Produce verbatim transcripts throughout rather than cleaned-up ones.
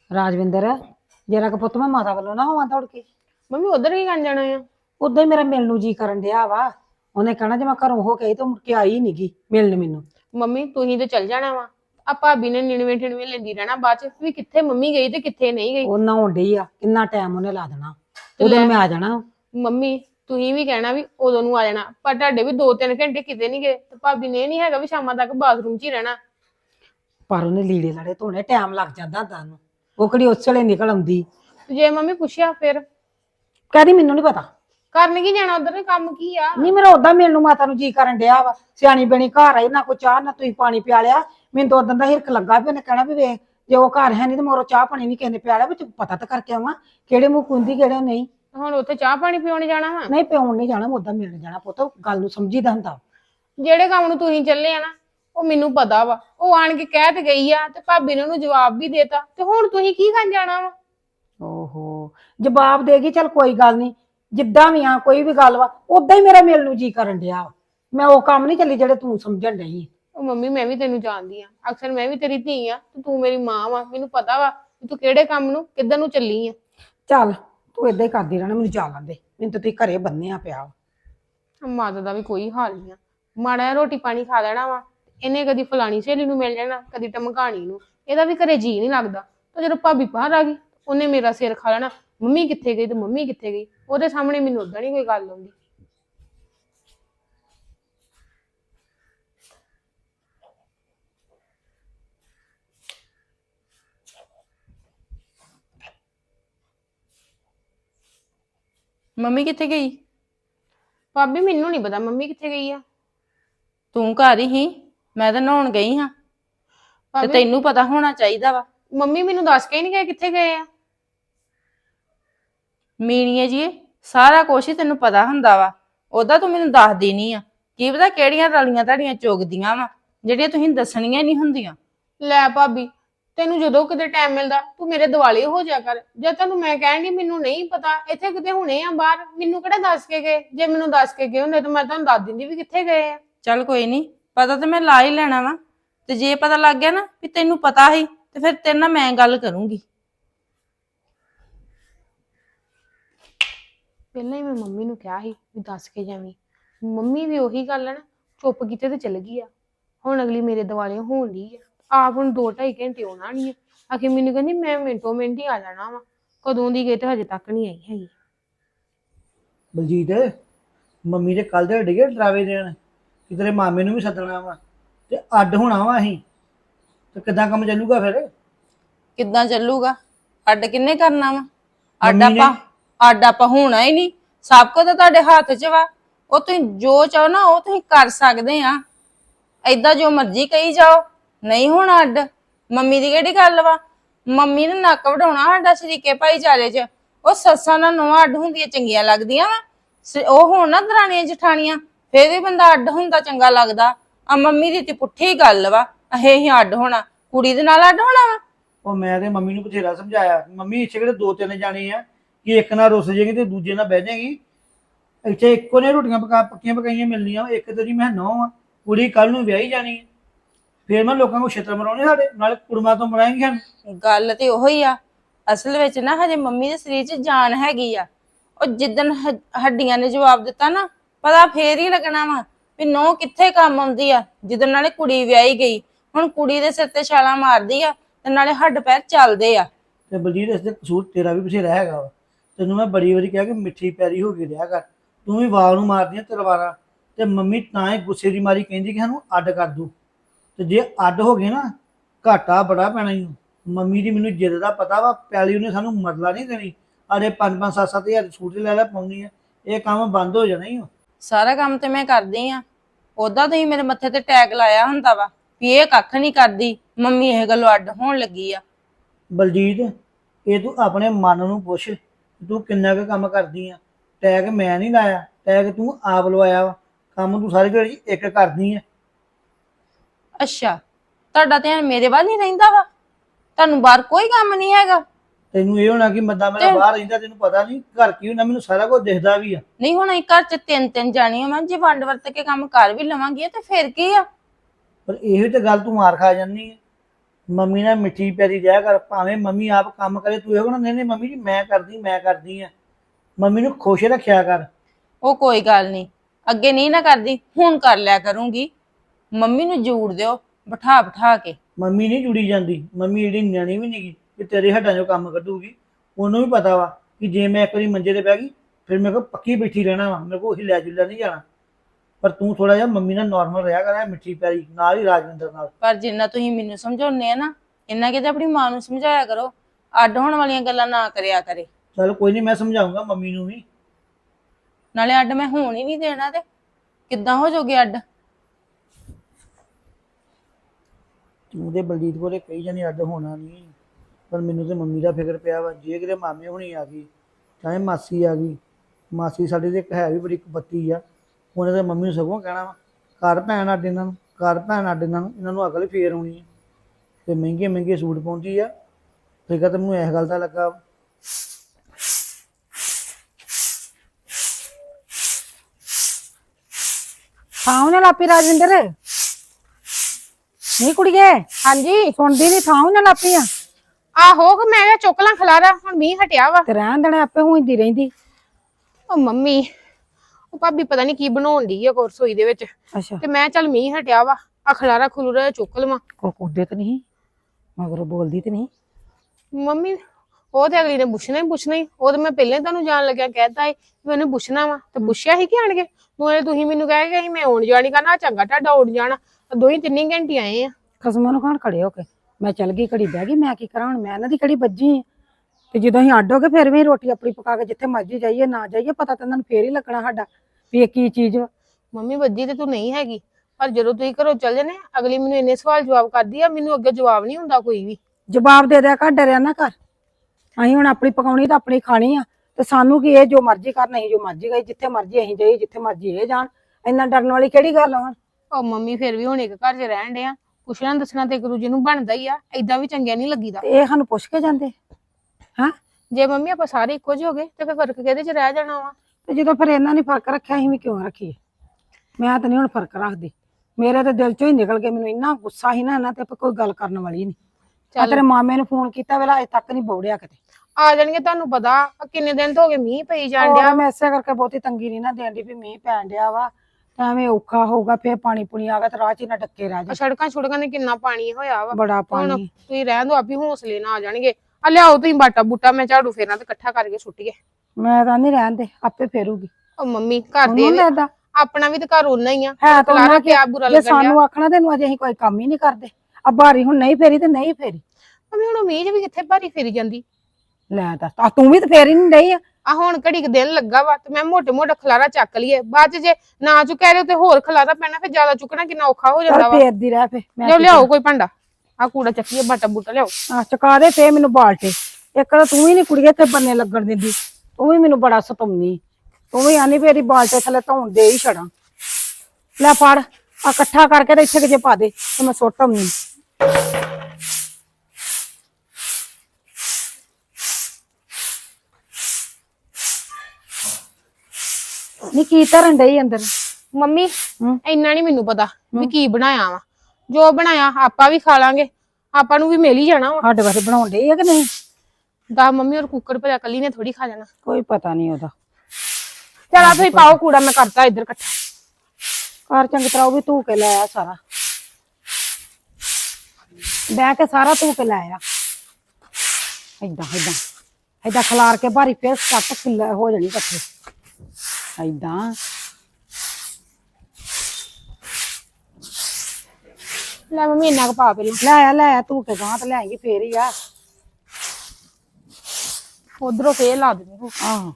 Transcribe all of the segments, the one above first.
ਰਾਜਵਿੰਦਰ ਜਰਾ ਕ ਪੁੱਤ ਮੈਂ ਮਾਤਾ ਵੱਲੋਂ ਨਾ ਹੋਵਾਂ ਦੌੜ ਕੇ। ਮੰਮੀ ਉਧਰ ਕੀ ਕਰਨ ਜਾਣਾ ਆ? ਉਦਾਂ ਹੀ ਮੇਰਾ ਮਿਲਣ ਨੂੰ ਜੀ ਕਰਨ ਡਿਆ ਵਾ। ਉਹਨੇ ਕਹਿਣਾ ਜੇ ਮੈਂ ਘਰੋਂ ਹੋ ਕੇ ਆਈ ਤਾਂ ਮੁੜ ਕੇ ਆਈ ਨੀਗੀ ਮਿਲਣ ਮੈਨੂੰ। ਮੰਮੀ ਤੁਸੀਂ ਤੇ ਚੱਲ ਜਾਣਾ ਵਾ, ਆ ਭਾਬੀ ਨੇ ਨਿਣਵੇਂ ਠਿਣਵੇਂ ਲੈਂਦੀ ਰਹਿਣਾ ਬਾਅਦ ਚ ਵੀ ਕਿੱਥੇ ਮੰਮੀ ਗਈ ਤੇ ਕਿੱਥੇ ਨਹੀਂ ਗਈ। ਉਹ ਨਹਾਉਣ ਡਈ ਆ, ਕਿੰਨਾ ਟਾਈਮ ਉਹਨੇ ਲਾ ਦੇਣਾ, ਉਦੋਂ ਮੈਂ ਆ ਜਾਣਾ। ਮੰਮੀ ਤੁਸੀਂ ਵੀ ਕਹਿਣਾ ਵੀ ਉਦੋਂ ਨੂੰ ਆ ਜਾਣਾ, ਪਰ ਤੁਹਾਡੇ ਵੀ ਦੋ ਤਿੰਨ ਘੰਟੇ ਕਿਤੇ ਨਹੀਂ ਗਏ ਤੇ ਭਾਬੀ ਨੇ ਇਹ ਨਹੀਂ ਹੈਗਾ ਵੀ ਸ਼ਾਮਾਂ ਤੱਕ ਬਾਥਰੂਮ 'ਚ ਹੀ ਰਹਿਣਾ। ਪਰ ਉਹਨੇ ਲੀੜੇ ਲੜੇ ਧੋਣੇ, ਟਾਈਮ ਲੱਗ ਜਾਂਦਾ ਤੁਹਾਨੂੰ। ਉਹ ਕਿਹੜੀ ਉਸ ਵੇਲੇ ਨਿਕਲ ਆਉਂਦੀ। ਜੇ ਮੰਮੀ ਪੁੱਛਿਆ ਫਿਰ ਕਹਿੰਦੀ ਮੈਨੂੰ ਨੀ ਪਤਾ। ਕਰਨ ਕੀ ਜਾਣਾ ਉਧਰ, ਕੰਮ ਕੀ ਆ? ਨਹੀਂ ਮੇਰਾ ਓਦਾਂ ਮਿਲਣ ਨੂੰ ਮਾਤਾ ਨੂੰ ਜੀ ਕਰਨ ਡਿਆ ਵਾ। ਸਿਆਣੀ ਬਣੀ ਘਰ ਆਈ, ਨਾ ਕੋਈ ਚਾਹ ਨਾ ਤੁਸੀਂ ਪਾਣੀ ਪਿਆ ਲਿਆ। ਮੈਨੂੰ ਤਾਂ ਉਦੋਂ ਦਾ ਹਿਰਕ ਲੱਗਾ ਵੀ ਉਹਨੇ ਕਹਿਣਾ ਵੀ ਵੇਖ ਜੇ ਉਹ ਘਰ ਹੈ ਨਹੀਂ ਤੇ ਮੋਰੋ ਚਾਹ ਪਾਣੀ ਵੀ ਕਿਸੇ ਨੇ ਪਿਆ ਲਿਆ, ਵਿੱਚ ਪਤਾ ਤਾਂ ਕਰਕੇ ਆਵਾਂ ਕਿਹੜੇ ਮੂੰਹ ਕੁੰਦੀ ਕਿਹੜੇ ਨਹੀਂ। ਹੁਣ ਉੱਥੇ ਚਾਹ ਪਾਣੀ ਪਿਉਣ ਜਾਣਾ ਵਾ? ਨਹੀਂ ਪਿਉਣ ਨਹੀਂ ਜਾਣਾ, ਓਦਾਂ ਮਿਲਣ ਜਾਣਾ। ਪੁੱਤ ਗੱਲ ਨੂੰ ਸਮਝੀਦਾ ਹੁੰਦਾ। ਜਿਹੜੇ ਕੰਮ ਨੂੰ ਤੁਸੀਂ ਚੱਲੇ ਆ ਨਾ ਉਹ ਮੈਨੂੰ ਪਤਾ ਵਾ, ਉਹ ਆਣ ਕੇ ਕਹਿ ਤੇ ਗਈ ਆ ਤੇ ਭਾਬੀ ਨੇ ਉਹਨੂੰ ਜਵਾਬ ਵੀ ਦੇਤਾ, ਤੇ ਹੁਣ ਤੁਸੀਂ ਕੀ ਕਰਨ ਜਾਣਾ ਵਾ? ਓਹੋ ਜਵਾਬ ਦੇਗੀ, ਚੱਲ ਕੋਈ ਗੱਲ ਨਹੀਂ। ਜਿੱਦਾਂ ਵੀ ਆ ਕੋਈ ਵੀ ਗੱਲ ਵਾ ਉਦਾਂ ਹੀ ਮੇਰਾ ਮਿਲਣ ਨੂੰ ਜੀ ਕਰਨ ਡਿਆ ਵਾ। ਮੈਂ ਉਹ ਕੰਮ ਨਹੀਂ ਚੱਲੀ ਜਿਹੜੇ ਤੂੰ ਸਮਝਣ ਡਈ। ਉਹ ਮੰਮੀ ਮੈਂ ਵੀ ਤੈਨੂੰ ਜਾਣਦੀ ਆ, ਅਕਸਰ ਮੈਂ ਵੀ ਤੇਰੀ ਧੀ ਆ ਤੇ ਤੂੰ ਮੇਰੀ ਮਾਂ ਵਾ। ਮੈਨੂੰ ਪਤਾ ਵਾ ਕਿ ਤੂੰ ਕਿਹੜੇ ਕੰਮ ਨੂੰ ਕਿੱਧਰ ਨੂੰ ਚੱਲੀ ਆ। ਚੱਲ ਤੂੰ ਏਦਾਂ ਹੀ ਕਰਦੀ ਰਹਿਣਾ, ਮੈਨੂੰ ਜਾ ਲੈਂਦੇ। ਮੈਨੂੰ ਤਾਂ ਤੁਸੀਂ ਘਰੇ ਬੰਨਿਆ ਪਿਆ ਵਾ। ਮਾਤਾ ਦਾ ਵੀ ਕੋਈ ਹਾਲ ਨਹੀਂ ਆ, ਮਾੜਾ ਜਿਹਾ ਰੋਟੀ ਪਾਣੀ ਖਾ ਲੈਣਾ ਵਾ। ਇਹਨੇ ਕਦੀ ਫਲਾਣੀ ਸਹੇਲੀ ਨੂੰ ਮਿਲ ਜਾਣਾ, ਕਦੀ ਟਮਕਾਣੀ ਨੂੰ। ਇਹਦਾ ਵੀ ਘਰੇ ਜੀ ਨਹੀਂ ਲੱਗਦਾ। ਤੇ ਜਦੋਂ ਭਾਬੀ ਬਾਹਰ ਆ ਗਈ ਉਹਨੇ ਮੇਰਾ ਸਿਰ ਖਾ ਲੈਣਾ, ਮੰਮੀ ਕਿੱਥੇ ਗਈ ਤੇ ਮੰਮੀ ਕਿੱਥੇ ਗਈ। ਉਹਦੇ ਸਾਹਮਣੇ ਮੈਨੂੰ ਉਦਾਂ ਨਹੀਂ ਕੋਈ ਗੱਲ ਆਉਂਦੀ। ਮੰਮੀ ਕਿੱਥੇ ਗਈ? ਭਾਬੀ ਮੈਨੂੰ ਨਹੀਂ ਪਤਾ ਮੰਮੀ ਕਿੱਥੇ ਗਈ ਆ। ਤੂੰ ਘਰ ਹੀ? ਮੈਂ ਤਾਂ ਨਹਾਉਣ ਗਈ ਹਾਂ। ਤੇ ਭਾਬੀ ਤੈਨੂੰ ਪਤਾ ਹੋਣਾ ਚਾਹੀਦਾ ਵਾ। ਮੰਮੀ ਮੈਨੂੰ ਦੱਸ ਕੇ ਨਹੀਂ ਗਏ ਕਿੱਥੇ ਗਏ ਆ। ਮੀਣੀਏ ਜੀ ਸਾਰਾ ਕੁਛ ਹੀ ਤੈਨੂੰ ਪਤਾ ਹੁੰਦਾ ਵਾ, ਉਹਦਾ ਤੂੰ ਮੈਨੂੰ ਦੱਸਦੀ ਨਹੀਂ ਆ। ਕੀ ਪਤਾ ਕਿਹੜੀਆਂ ਰਲੀਆਂ ਤੁਹਾਡੀਆਂ ਚੁਗਦੀਆਂ ਵਾ ਜਿਹੜੀਆਂ ਤੁਸੀਂ ਦੱਸਣੀਆਂ ਨਹੀਂ ਹੁੰਦੀਆਂ। ਲੈ ਭਾਬੀ ਤੈਨੂੰ ਜਦੋਂ ਕਿਤੇ ਟਾਈਮ ਮਿਲਦਾ ਤੂੰ ਮੇਰੇ ਦਿਵਾਲੇ ਹੋ ਜਾ ਕਰ। ਜੇ ਤੈਨੂੰ ਮੈਂ ਕਹਿਣਗੀ ਮੈਨੂੰ ਨਹੀਂ ਪਤਾ, ਇੱਥੇ ਕਿਤੇ ਹੁਣੇ ਆ ਬਾਹਰ, ਮੈਨੂੰ ਕਿਹੜਾ ਦੱਸ ਕੇ ਗਏ? ਜੇ ਮੈਨੂੰ ਦੱਸ ਕੇ ਗਏ ਹੁੰਦੇ ਤਾਂ ਮੈਂ ਤੁਹਾਨੂੰ ਦੱਸ ਦਿੰਦੀ ਵੀ ਕਿੱਥੇ ਗਏ ਆ। ਚੱਲ ਕੋਈ ਨਹੀਂ, ਪਤਾ ਤੇ ਮੈਂ ਲਾ ਹੀ ਲੈਣਾ ਵਾ। ਤੇ ਜੇ ਪਤਾ ਲੱਗ ਗਿਆ ਨਾ ਵੀ ਤੈਨੂੰ ਪਤਾ ਸੀ ਤੇ ਫਿਰ ਤੇਰੇ ਨਾਲ ਮੈਂ ਗੱਲ ਕਰੂੰਗੀ। ਪਹਿਲਾਂ ਹੀ ਮੈਂ ਮੰਮੀ ਨੂੰ ਕਿਹਾ ਸੀ ਵੀ ਦੱਸ ਕੇ ਜਾਵੀਂ। ਮੰਮੀ ਵੀ ਉਹੀ ਗੱਲ ਹੈ ਨਾ, ਚੁੱਪ ਕੀਤੇ ਤੇ ਚਲ ਗਈ ਆ। ਹੁਣ ਅਗਲੀ ਮੇਰੇ ਦਿਵਾਲੇ ਹੋਣ ਡਈ ਆ। ਆਪ ਹੁਣ ਦੋ ਢਾਈ ਘੰਟੇ ਆਉਣਾ ਨਹੀਂ ਆ। ਆਖੇ ਮੈਨੂੰ ਕਹਿੰਦੀ ਮੈਂ ਮਿੰਟੋ ਮਿੰਟ ਹੀ ਆ ਜਾਣਾ ਵਾ। ਕਦੋਂ ਦੀ ਗਈ ਤੇ ਹਜੇ ਤੱਕ ਨਹੀਂ ਆਈ ਹੈਗੀ। ਬਲਜੀਤ ਮੰਮੀ ਦੇ ਕੱਲ ਦੇ ਡਿਗੇ ਡਰਾਵੇ ਦੇਣ ਕਿ ਤੇਰੇ ਮਾਮੇ ਨੂੰ ਵੀ ਸੱਦਣਾ ਵਾ ਤੇ ਅੱਡ ਹੋਣਾ ਵਾ ਅਸੀਂ। ਤੇ ਕਿੱਦਾਂ ਕੰਮ ਚੱਲੂਗਾ ਫਿਰ? ਕਿੱਦਾਂ ਚੱਲੂਗਾ? ਅੱਡ ਕਿੰਨੇ ਕਰਨਾ ਵਾ? ਅੱਡ ਮੰਮੀ ਨੇ- ਆਪਾਂ ਅੱਡ ਆਪਾਂ ਹੋਣਾ ਹੀ ਨਹੀਂ। ਸਭ ਕੁਝ ਤਾਂ ਤੁਹਾਡੇ ਹੱਥ 'ਚ ਵਾ। ਉਹ ਤੁਸੀਂ ਜੋ ਚਾਹੋ ਨਾ ਉਹ ਤੁਸੀਂ ਕਰ ਸਕਦੇ ਆ। ਏਦਾਂ ਜੋ ਮਰਜ਼ੀ ਕਹੀ ਜਾਓ, ਨਹੀਂ ਹੋਣਾ ਅੱਡ। ਮੰਮੀ ਦੀ ਕਿਹੜੀ ਗੱਲ ਵਾ? ਮੰਮੀ ਨੇ ਨੱਕ ਵਢਾਉਣਾ ਸਾਡਾ ਸ਼ਰੀਕੇ ਭਾਈਚਾਰੇ 'ਚ। ਉਹ ਸੱਸਾਂ ਨਾਲ ਨੂੰਹਾਂ ਅੱਡ ਹੁੰਦੀਆਂ ਚੰਗੀਆਂ ਲੱਗਦੀਆਂ ਵਾ। ਉਹ ਹੋਣ ਨਾ ਦਰਾਣੀਆਂ ਜਠਾਣੀਆਂ, ਫੇਰ ਵੀ ਬੰਦਾ ਅੱਡ ਹੁੰਦਾ ਚੰਗਾ ਲੱਗਦਾ। ਆ ਮੰਮੀ ਦੀ ਤੇ ਪੁੱਠੀ ਗੱਲ ਵਾ, ਇਹ ਹੀ ਅੱਡ ਹੋਣਾ। ਕੁੜੀ ਦੇ ਨਾਲ ਅੱਡ ਹੋਣਾ ਵਾ? ਉਹ ਮੈਂ ਤੇ ਮੰਮੀ ਨੂੰ ਬਥੇਰਾ ਸਮਝਾਇਆ, ਮੰਮੀ ਇੱਥੇ ਕਿਹੜੇ ਦੋ ਤਿੰਨ ਜਾਣੇ ਆ ਕਿ ਇੱਕ ਨਾਲ ਰੁੱਸ ਜਾਏਗੀ ਤੇ ਦੂਜੇ ਨਾਲ ਬਹਿ ਜਾਏਗੀ। ਇੱਥੇ ਇੱਕੋ ਨੇ ਰੋਟੀਆਂ ਪਕਾ ਪੱਕੀਆਂ ਪਕਾਈਆਂ ਮਿਲਣੀਆਂ। ਇੱਕ ਤੇ ਜੀ ਮੈਂ ਨੌ ਆ, ਕੁੜੀ ਕੱਲ ਨੂੰ ਵਿਆਹੀ ਜਾਣੀ ਹੈ। ਫੇਰ ਮੈਂ ਲੋਕਾਂ ਨੂੰ ਛਿੱਤਰ ਮਰਾਉਣੇ ਸਾਡੇ ਨਾਲ, ਕੁੜਮਾਂ ਤੋਂ ਮਰਾਏਂਗੇ ਸਾਨੂੰ। ਗੱਲ ਤੇ ਉਹੀ ਆ। ਅਸਲ ਵਿੱਚ ਨਾ ਹਜੇ ਮੰਮੀ ਦੇ ਸਰੀਰ 'ਚ ਜਾਨ ਹੈਗੀ ਆ। ਉਹ ਜਿੱਦਣ ਹ- ਹੱਡੀਆਂ ਨੇ ਜਵਾਬ ਦਿੱਤਾ ਨਾ, ਪਤਾ ਫੇਰ ਹੀ ਲੱਗਣਾ ਵਾ ਵੀ ਨਹੁੰ ਕਿੱਥੇ ਕੰਮ ਆਉਂਦੀ ਆ। ਜਿੱਦਣ ਨਾਲੇ ਕੁੜੀ ਵਿਆਹੀ ਗਈ, ਹੁਣ ਕੁੜੀ ਦੇ ਸਿਰ ਤੇ ਛਾਲਾਂ ਮਾਰਦੀ ਆ ਤੇ ਨਾਲੇ ਹੱਡ ਪੈਰ ਚੱਲਦੇ ਆ। ਤੇ ਬਲਜੀਤ ਇਸ ਦੇ ਕਸੂਰ ਤੇਰਾ ਵੀ ਬਥੇਰਾ ਹੈਗਾ ਵਾ। ਤੈਨੂੰ ਮੈਂ ਬੜੀ ਵਾਰੀ ਕਿਹਾ ਕਿ ਮਿੱਠੀ ਪੈਰੀ ਹੋ ਕੇ ਰਿਹਾ ਕਰ। ਤੂੰ ਵੀ ਵਾਲ ਨੂੰ ਮਾਰਦੀਆਂ ਤਲਵਾਰਾਂ। ਤੇ ਮੰਮੀ ਤਾਂ ਹੀ ਗੁੱਸੇ ਦੀ ਮਾਰੀ ਕਹਿੰਦੀ ਕਿ ਸਾਨੂੰ ਅੱਡ ਕਰ ਦੂ। ਤੇ ਜੇ ਅੱਡ ਹੋ ਗਏ ਨਾ ਘਾਟਾ ਬੜਾ ਪੈਣਾ ਹੀ। ਮੰਮੀ ਦੀ ਮੈਨੂੰ ਜਿੱਦ ਦਾ ਪਤਾ ਵਾ, ਪੈਲੀ ਉਹਨੇ ਸਾਨੂੰ ਮਰਲਾ ਨਹੀਂ ਦੇਣੀ। ਅਰੇ ਪੰਜ ਪੰਜ ਸੱਤ ਸੱਤ ਹਜ਼ਾਰ ਸੂਟ ਲੈ ਲੈ ਪਾਉਣੀ ਆ, ਇਹ ਕੰਮ ਬੰਦ ਹੋ ਜਾਣਾ ਹੀ। ਸਾਰਾ ਕੰਮ ਤੇ ਮੈਂ ਕਰਦੀ ਆ। ਓਦਾਂ ਤੁਸੀਂ ਮੇਰੇ ਮੱਥੇ ਤੇ ਟੈਗ ਲਾਇਆ ਹੁੰਦਾ ਵਾ ਵੀ ਇਹ ਕੱਖ ਨਹੀਂ ਕਰਦੀ, ਮੰਮੀ ਇਹ ਗੱਲੋਂ ਅੱਡ ਹੋਣ ਲੱਗੀ ਆ। ਬਲਜੀਤ ਇਹ ਤੂੰ ਆਪਣੇ ਮਨ ਨੂੰ ਪੁੱਛ, ਤੂੰ ਕਿੰਨਾ ਕੁ ਕੰਮ ਕਰਦੀ ਆ। ਟੈਗ ਮੈਂ ਨਹੀਂ ਲਾਇਆ, ਟੈਗ ਤੂੰ ਆਪ ਲਵਾਇਆ ਵਾ। ਕੰਮ ਤੂੰ ਸਾਰੀ ਦਿਹਾੜੀ ਇੱਕ ਕਰਦੀ ਆ। ਅੱਛਾ, ਤੁਹਾਡਾ ਧਿਆਨ ਮੇਰੇ ਵੱਲ ਨਹੀਂ ਰਹਿੰਦਾ ਵਾ? ਤੁਹਾਨੂੰ ਬਾਹਰ ਕੋਈ ਕੰਮ ਨਹੀਂ ਹੈਗਾ? ਤੈਨੂੰ ਇਹ ਹੋਣਾ ਕਿ ਬੰਦਾ ਮੇਰਾ ਬਾਹਰ ਰਹਿੰਦਾ, ਤੈਨੂੰ ਪਤਾ ਨਹੀਂ ਘਰ ਕੀ ਹੁੰਦਾ। ਮੈਨੂੰ ਸਾਰਾ ਕੁਝ ਦਿਖਦਾ ਵੀ ਆ। ਨਹੀਂ ਹੁਣ ਅਸੀਂ ਘਰ 'ਚ ਤਿੰਨ ਤਿੰਨ ਜਾਣੀਆਂ ਮੈਂ, ਜੇ ਵੰਡ ਵਰਤ ਕੇ ਕੰਮ ਕਰ ਵੀ ਲਵਾਂਗੀ ਤੇ ਫਿਰ ਕੀ ਆ? ਪਰ ਇਹੋ ਤੇ ਗੱਲ ਤੂੰ ਮਾਰ ਖਾ ਜਾਂਦੀ ਹੈ। ਮੰਮੀ ਨਾਲ ਮਿੱਠੀ ਪਿਆਰੀ ਰਿਹਾ ਕਰ, ਭਾਵੇਂ ਮੰਮੀ ਆਪ ਕੰਮ ਕਰੇ ਤੂੰ ਇਹ ਕਹਿਣਾ ਨਹੀਂ ਨਹੀਂ ਮੰਮੀ ਜੀ ਮੈਂ ਕਰਦੀ ਮੈਂ ਕਰਦੀ ਆ। ਮੰਮੀ ਨੂੰ ਖੁਸ਼ ਰੱਖਿਆ ਕਰ। ਉਹ ਕੋਈ ਗੱਲ ਨਹੀਂ, ਅੱਗੇ ਨਹੀਂ ਨਾ ਕਰਦੀ, ਹੁਣ ਕਰ ਲਿਆ ਕਰੂੰਗੀ। ਮੰਮੀ ਨੂੰ ਜੂੜ ਦਿਓ ਬਿਠਾ ਬਿਠਾ ਕੇ। ਮੰਮੀ ਨਹੀਂ ਜੁੜੀ ਜਾਂਦੀ, ਮੰਮੀ ਜਿਹੜੀ ਨਿਆਣੀ ਵੀ ਨਹੀਂਗੀ ਕਿ ਤੇਰੇ ਹੱਡਾਂ 'ਚੋਂ ਕੰਮ ਕੱਢੂਗੀ। ਉਹਨੂੰ ਵੀ ਪਤਾ ਵਾ ਕਿ ਜੇ ਮੈਂ ਇੱਕ ਵਾਰੀ ਮੰਜੇ ਤੇ ਬਹਿ ਗਈ ਫਿਰ ਮੇਰੇ ਕੋਲ ਪੱਕੀ ਬੈਠੀ ਰਹਿਣਾ ਵਾ, ਮੇਰੇ ਕੋਲ ਹਿੱਲਿਆ ਜੁਲਿਆ ਨਹੀਂ ਜਾਣਾ। ਪਰ ਤੂੰ ਥੋੜਾ ਜਿਹਾ ਮੰਮੀ ਨਾਲ ਨਾਰਮਲ ਰਿਹਾ ਕਰ, ਮਿੱਠੀ ਪਿਆਰੀ ਨਾਲ ਹੀ ਰਾਜਵਿੰਦਰ ਨਾਲ। ਪਰ ਜਿੰਨਾ ਤੁਸੀਂ ਮੈਨੂੰ ਸਮਝਾਉਂਦੇ ਆ ਨਾ, ਇੰਨਾ ਕਿਤੇ ਆਪਣੀ ਮਾਂ ਨੂੰ ਸਮਝਾਇਆ ਕਰੋ। ਅੱਡ ਹੋਣ ਵਾਲੀਆਂ ਗੱਲਾਂ ਨਾ ਕਰਿਆ ਕਰੇ। ਚਲ ਕੋਈ ਨਹੀਂ, ਮੈਂ ਸਮਝਾਉਂਗਾ ਮੰਮੀ ਨੂੰ ਵੀ। ਨਾਲੇ ਅੱਡ ਮੈਂ ਹੋਣ ਹੀ ਨਹੀਂ ਦੇਣਾ, ਤੇ ਕਿੱਦਾਂ ਹੋ ਜਾਓਗੇ ਅੱਡ? ਤੂੰ ਤੇ ਬਲਜੀਤ ਕੋਲੇ ਕਹੀ ਜਾਨੀ ਅੱਡ ਹੋਣਾ ਨਹੀਂ, ਪਰ ਮੈਨੂੰ ਤੇ ਮੰਮੀ ਦਾ ਫਿਕਰ ਪਿਆ ਵਾ। ਜੇ ਕਿਤੇ ਮਾਮੇ ਹੁਣੀ ਆ ਗਈ ਚਾਹੇ ਮਾਸੀ ਆ ਗਈ, ਮਾਸੀ ਸਾਡੇ ਤੇ ਇੱਕ ਹੈ ਵੀ ਬੜੀ ਕੁਪੱਤੀ ਆ, ਉਹਨੇ ਤਾਂ ਮੰਮੀ ਨੂੰ ਸਗੋਂ ਕਹਿਣਾ ਵਾ ਘਰ ਭੈਣ ਅੱਡ ਇਹਨਾਂ ਨੂੰ, ਘਰ ਭੈਣ ਅੱਡ ਇਹਨਾਂ ਨੂੰ, ਇਹਨਾਂ ਨੂੰ ਅਕਲ ਫੇਰ ਆਉਣੀ ਹੈ। ਤੇ ਮਹਿੰਗੇ ਮਹਿੰਗੇ ਸੂਟ ਪਾਉਂਦੀ ਆ, ਫਿਕਰ ਤਾਂ ਮੈਨੂੰ ਇਸ ਗੱਲ ਦਾ ਲੱਗਾ। ਥਾਂ ਨਾ ਲਾਪੀ ਰਾਜਿੰਦਰ, ਨਹੀਂ ਕੁੜੀਏ ਹਾਂਜੀ ਸੁਣਦੀ ਨਹੀਂ, ਥਾਂ ਨਾ ਲਾਪੀ ਆ ਆਹੋ ਕਿ ਮੈਂ ਕਿਹਾ ਚੁੱਕ ਲਾਂ ਖਲਾਰਾ, ਹੁਣ ਮੀਂਹ ਹਟਿਆ ਵਾ। ਤੇ ਰਹਿਣ ਦੇਣਾ ਆਪੇ ਹੁੰਦੀ ਰਹਿੰਦੀ। ਉਹ ਮੰਮੀ ਉਹ ਭਾਬੀ ਪਤਾ ਨਹੀਂ ਕੀ ਬਣਾਉਣ ਦੀ ਆ ਰਸੋਈ ਦੇ ਵਿੱਚ, ਅੱਛਾ ਤੇ ਮੈਂ ਚੱਲ ਮੀਂਹ ਹਟਿਆ ਵਾ ਆ ਖਲਾਰਾ ਖਲੂਰਾ ਚੁੱਕ ਲਵਾਂ। ਕੋ ਕੁੱਦੇ ਤੇ ਨਹੀਂ ਮਗਰੋਂ ਬੋਲਦੀ ਤੇ ਨਹੀਂ। ਮੰਮੀ ਉਹ ਤੇ ਅਗਲੀ ਨੇ ਪੁੱਛਣਾ ਹੀ ਪੁੱਛਣਾ ਹੀ, ਉਹ ਤੇ ਮੈਂ ਪਹਿਲਾਂ ਹੀ ਤੁਹਾਨੂੰ ਜਾਣ ਲੱਗਿਆ ਕਹਿਤਾ ਸੀ ਵੀ ਉਹਨੇ ਪੁੱਛਣਾ ਵਾ, ਤੇ ਪੁੱਛਿਆ ਹੀ ਕਿ ਆਣਗੇ ਨਾਲੇ ਤੁਸੀਂ ਮੈਨੂੰ ਕਹਿ ਗਏ ਸੀ ਮੈਂ ਆਉਣ ਜਾਣੀ ਕਰਨਾ, ਚੰਗਾ ਤੁਹਾਡਾ ਆਉਣ ਜਾਣਾ, ਦੋ ਹੀ ਤਿੰਨ ਘੰਟੇ ਆਏ ਆ। ਖਸਮਾਂ ਨੂੰ ਖਾਣ ਖੜੇ ਹੋ ਕੇ ਮੈਂ ਚੱਲ ਗਈ, ਘੜੀ ਬਹਿ ਗਈ, ਮੈਂ ਕੀ ਕਰਾਂ ਹੁਣ, ਮੈਂ ਇਹਨਾਂ ਦੀ ਘੜੀ ਵੱਜੀ ਆ। ਤੇ ਜਦੋਂ ਅਸੀਂ ਅੱਡ ਹੋ ਗਏ ਫਿਰ ਵੀ ਰੋਟੀ ਆਪਣੀ ਪਕਾ ਕੇ ਜਿੱਥੇ ਮਰਜ਼ੀ ਜਾਈਏ ਨਾ ਜਾਈਏ, ਪਤਾ ਤਾਂ ਇਹਨਾਂ ਨੂੰ ਫੇਰ ਹੀ ਲੱਗਣਾ ਸਾਡਾ ਵੀ ਇਹ ਕੀ ਚੀਜ਼ ਵਾ। ਮੰਮੀ ਵੱਜੀ ਤੇ ਤੂੰ ਨਹੀਂ ਹੈਗੀ, ਪਰ ਜਦੋਂ ਤੁਸੀਂ ਘਰੋਂ ਚੱਲ ਜਨੇ ਅਗਲੀ ਮੈਨੂੰ ਇੰਨੇ ਸਵਾਲ ਜਵਾਬ ਕਰਦੀ ਆ, ਮੈਨੂੰ ਅੱਗੇ ਜਵਾਬ ਨਹੀਂ ਹੁੰਦਾ ਕੋਈ ਵੀ। ਜਵਾਬ ਦੇ ਦਿਆ ਕਰ, ਡਰਿਆ ਨਾ ਕਰ। ਅਸੀਂ ਹੁਣ ਆਪਣੀ ਪਕਾਉਣੀ ਤਾਂ ਆਪਣੀ ਖਾਣੀ ਆ, ਤੇ ਸਾਨੂੰ ਕੀ ਇਹ ਜੋ ਮਰਜ਼ੀ ਕਰਨ, ਅਸੀਂ ਜੋ ਮਰਜ਼ੀ ਗਈ, ਜਿੱਥੇ ਮਰਜ਼ੀ ਅਸੀਂ ਜਾਈਏ, ਜਿੱਥੇ ਮਰਜ਼ੀ ਇਹ ਜਾਣ। ਇੰਨਾ ਡਰਨ ਵਾਲੀ ਕਿਹੜੀ ਗੱਲ ਆ ਹੁਣ? ਉਹ ਮੰਮੀ ਫਿਰ ਵੀ ਹੁਣ ਇੱਕ ਘਰ 'ਚ ਰਹਿਣ ਡਿਆ, ਪੁੱਛਣਾ ਦੱਸਣਾ ਤੇ ਇੱਕ ਦੂਜੇ ਨੂੰ ਬਣਦਾ ਹੀ ਆ, ਏਦਾਂ ਵੀ ਚੰਗਿਆ ਨਹੀਂ ਲੱਗੀਦਾ। ਤੇ ਇਹ ਸਾਨੂੰ ਪੁੱਛ ਕੇ ਜਾਂਦੇ ਹਾਂ? ਜੇ ਮੰਮੀ ਆਪਾਂ ਸਾਰੇ ਇੱਕੋ ਜਿਹੇ ਹੋ ਗਏ ਤੇ ਫਿਰ ਫਰਕ ਕਿਹਦੇ 'ਚ ਰਹਿ ਜਾਣਾ ਵਾ? ਤੇ ਜਦੋਂ ਫਿਰ ਇਹਨਾਂ ਨੇ ਫਰਕ ਰੱਖਿਆ, ਅਸੀਂ ਵੀ ਕਿਉਂ ਰੱਖੀਏ? ਮੈਂ ਤਾਂ ਨਹੀਂ ਹੁਣ ਫਰਕ ਰੱਖਦੀ, ਮੇਰੇ ਤੇ ਦਿਲ ਚੋਂ ਹੀ ਨਿਕਲ ਕੇ, ਮੈਨੂੰ ਇੰਨਾ ਗੁੱਸਾ ਸੀ ਨਾ ਇਹਨਾਂ ਤੇ, ਕੋਈ ਗੱਲ ਕਰਨ ਵਾਲੀ ਨਹੀਂ। ਆ ਤੇਰੇ ਮਾਮੇ ਨੂੰ ਫੋਨ ਕੀਤਾ ਵੇਲਾ ਅਜੇ ਤੱਕ ਨਹੀਂ ਬੌੜਿਆ ਕਿਤੇ। ਆ ਜਾਣਗੇ, ਤੁਹਾਨੂੰ ਪਤਾ ਕਿੰਨੇ ਦਿਨ ਤੋਂ ਹੋ ਗਏ ਮੀਂਹ ਪਈ ਜਾਣ ਡਿਆ। ਮੈਂ ਇਸੇ ਕਰਕੇ ਬਹੁਤੀ ਤੰਗੀ ਨਹੀਂ ਨਾ ਦੇਂਦੀ ਵੀ ਮੀਂਹ ਪੈਣ ਡਿਆ ਵਾ, ਐਵੇਂ ਔਖਾ ਹੋਊਗਾ, ਫੇਰ ਪਾਣੀ ਪੁਣੀ ਆ ਗਿਆ ਤੇ ਰਾਹ 'ਚ ਹੀ ਨਾ ਡੱਕੇ ਰਹਿ ਜਾ। ਸੜਕਾਂ ਛੁੜਕਾਂ ਤੇ ਕਿੰਨਾ ਪਾਣੀ ਹੋਇਆ ਵਾ, ਬੜਾ ਹੁਣ ਪਾਣੀ। ਤੁਸੀਂ ਰਹਿਣ ਦੋ, ਆਪੀ ਹੌਸਲੇ ਨਾਲ ਆ ਜਾਣਗੇ। ਆ ਲਿਆਓ ਤੁਸੀਂ ਬਾਟਾ ਬੂਟਾ, ਮੈਂ ਝਾੜੂ ਫੇਰਾਂ ਤੇ ਇਕੱਠਾ ਕਰਕੇ ਸੁੱਟੀਏ। ਮੈਂ ਤਾਂ ਨਹੀਂ ਰਹਿਣ ਦੇ, ਆਪੇ ਫੇਰੂਗੀ। ਉਹ ਮੰਮੀ ਘਰ ਦੇ ਉਹਨੂੰ ਲੱਗਦਾ ਆਪਣਾ ਵੀ ਤਾਂ ਘਰ ਉਹਨਾਂ ਹੀ ਆ, ਹੈ ਤਾਂ ਉਹਨਾਂ ਪਿਆ ਬੁਰਾ ਜੇ ਲੱਗਣ ਡਿਆ। ਸਾਨੂੰ ਆਖਣਾ ਤੈਨੂੰ ਅਜੇ ਅਸੀਂ ਕੋਈ ਕੰਮ ਹੀ ਨਹੀਂ ਕਰਦੇ। ਆ ਬਾਰੀ ਹੁਣ ਨਹੀਂ ਫੇਰੀ ਤੇ ਨਹੀਂ ਫੇਰੀ। ਮੰਮੀ ਹੁਣ ਮੀਂਹ 'ਚ ਵੀ ਕਿੱਥੇ ਭਾਰੀ ਫੇਰੀ ਜਾਂਦੀ। ਲੈ ਦੱਸ, ਆ ਤੂੰ ਵੀ ਤੇ ਫੇਰ ਹੀ ਨਹੀਂ ਰਹੀ ਆ। ਆ ਹੁਣ ਘੜੀ ਕੁ ਦਿਨ ਲੱਗਾ ਵਾ ਤੇ ਮੈਂ ਮੋਟੇ ਮੋਟਾ ਖਲਾਰਾ ਚੱਕ ਲਈਏ, ਬਾਅਦ 'ਚ ਜੇ ਨਾ ਚੁੱਕਿਆ ਰਿਓ ਤੇ ਹੋਰ ਖਲਾਰਾ ਪੈਣਾ, ਫਿਰ ਜ਼ਿਆਦਾ ਚੁੱਕਣਾ ਕਿੰਨਾ ਔਖਾ ਹੋ ਜਾਂਦਾ ਚੱਲ ਵਾ। ਫੇਰਦੀ ਰਹਿ ਫੇ। ਲਿਓ ਲਿਆਓ ਕੋਈ ਭਾਂਡਾ, ਆ ਕੂੜਾ ਚੱਕੀਏ, ਬਾਟਾ ਬੂਟਾ ਲਿਆਓ। ਆ ਚੁਕਾ ਦੇ ਫੇ ਮੈਨੂੰ ਬਾਲਟੇ। ਇੱਕ ਤਾਂ ਤੂੰ ਹੀ ਨਹੀਂ ਕੁੜੀਏ ਇੱਥੇ ਬੰਨੇ ਲੱਗਣ ਦਿੰਦੀ, ਤੂੰ ਵੀ ਮੈਨੂੰ ਬੜਾ ਸਤਾਉਣੀ। ਤੂੰ ਵੀ ਆਨੀ ਫੇਰੀ ਬਾਲਟੇ ਥੱਲੇ ਧੌਣ ਦੇ ਹੀ ਛੜਾਂ। ਲੈ ਫੜ ਆ ਇਕੱਠਾ ਕਰਕੇ ਤੇ ਇੱਥੇ ਕਿਤੇ ਪਾ ਦੇ ਤੇ ਮੈਂ ਸੁੱਟ ਆਉਣੀ। ਨੀ ਕੀ ਧਰਨ ਡਈ ਅੰਦਰ? ਮੰਮੀ ਇੰਨਾ ਨਹੀਂ ਮੈਨੂੰ ਪਤਾ ਵੀ ਕੀ ਬਣਾਇਆ ਵਾ, ਜੋ ਬਣਾਇਆ ਆਪਾਂ ਵੀ ਖਾ ਲਾਂਗੇ, ਆਪਾਂ ਨੂੰ ਵੀ ਮਿਲ ਹੀ ਜਾਣਾ ਵਾ। ਸਾਡੇ ਵਾਸਤੇ ਬਣਾਉਣ ਡਈ ਆ ਕਿ ਨਹੀਂ? ਦਾ ਮੰਮੀ ਔਰ ਕੁੱਕਰ ਭਰਿਆ ਕੱਲੀ ਨੇ ਥੋੜੀ ਖਾ ਜਾਣਾ। ਕੋਈ ਪਤਾ ਨਹੀਂ ਉਹਦਾ। ਚਲ ਆ ਤੁਸੀਂ ਪਾਓ ਕੂੜਾ, ਮੈਂ ਕਰਤਾ ਇੱਧਰ ਇਕੱਠਾ। ਘਰ ਚੰਗੀ ਤਰ੍ਹਾਂ ਉਹ ਵੀ ਧੂ ਕੇ ਲੈ ਆ, ਸਾਰਾ ਬਹਿ ਕੇ ਸਾਰਾ ਧੂ ਕੇ ਲੈ ਆ। ਏਦਾਂ ਏਦਾਂ ਏਦਾਂ ਖਲਾਰ ਕੇ ਭਾਰੀ ਫੇਰ ਸੱਟ ਖਿੱਲਾ ਹੋ ਜਾਣੀ ਇਕੱਠੇ ਏਦਾਂ। ਲੈ ਮੰਮੀ ਇੰਨਾ ਕੁ ਪਾ ਪਹਿਲਾਂ। ਲੈ ਆ ਲੈ ਆ ਧੂ ਕੇ ਗਾਂ ਤੇ ਲੈ ਆਏਗੀ ਫੇਰ ਹੀ ਆ। ਉਧਰੋਂ ਫੇਰ ਲਾ ਦੇਣੀ। ਆਹੋ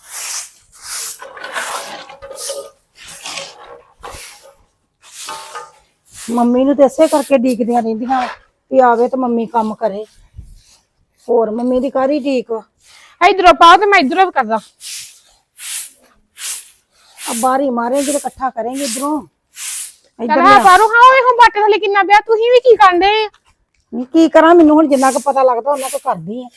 ਮੰਮੀ ਨੂੰ ਤੇ ਇਸੇ ਕਰਕੇ ਡੀਕਦੀਆਂ ਰਹਿੰਦੀਆਂ ਵੀ ਆਵੇ ਤੇ ਮੰਮੀ ਕੰਮ ਕਰੇ, ਹੋਰ ਮੰਮੀ ਦੀ ਕਾਹਦੀ ਡੀਕ ਵਾ। ਇਧਰੋਂ ਪਾਓ ਤੇ ਮੈਂ ਇਧਰੋਂ ਵੀ ਕਰਦਾ। ਆ ਬਾਰੀ ਮਾਰੇਂਗੀ ਤੇ ਇਕੱਠਾ ਕਰਾਂਗੇ ਇਧਰੋਂ ਚਲ ਇੱਧਰ ਹਾਂ ਲਿਆ। ਪਾਰੋ, ਹਾਂ ਵੇਖੋ ਬਾਟੇ ਥੱਲੇ ਕਿੰਨਾ ਪਿਆ, ਤੁਸੀਂ ਵੀ ਕੀ ਕਰਦੇ? ਨੀ ਕੀ ਕਰਾਂ, ਮੈਨੂੰ ਹੁਣ ਜਿੰਨਾ ਕੁ ਪਤਾ ਲੱਗਦਾ ਉਹਨਾਂ ਕੋ ਕਰਦੀ ਆ।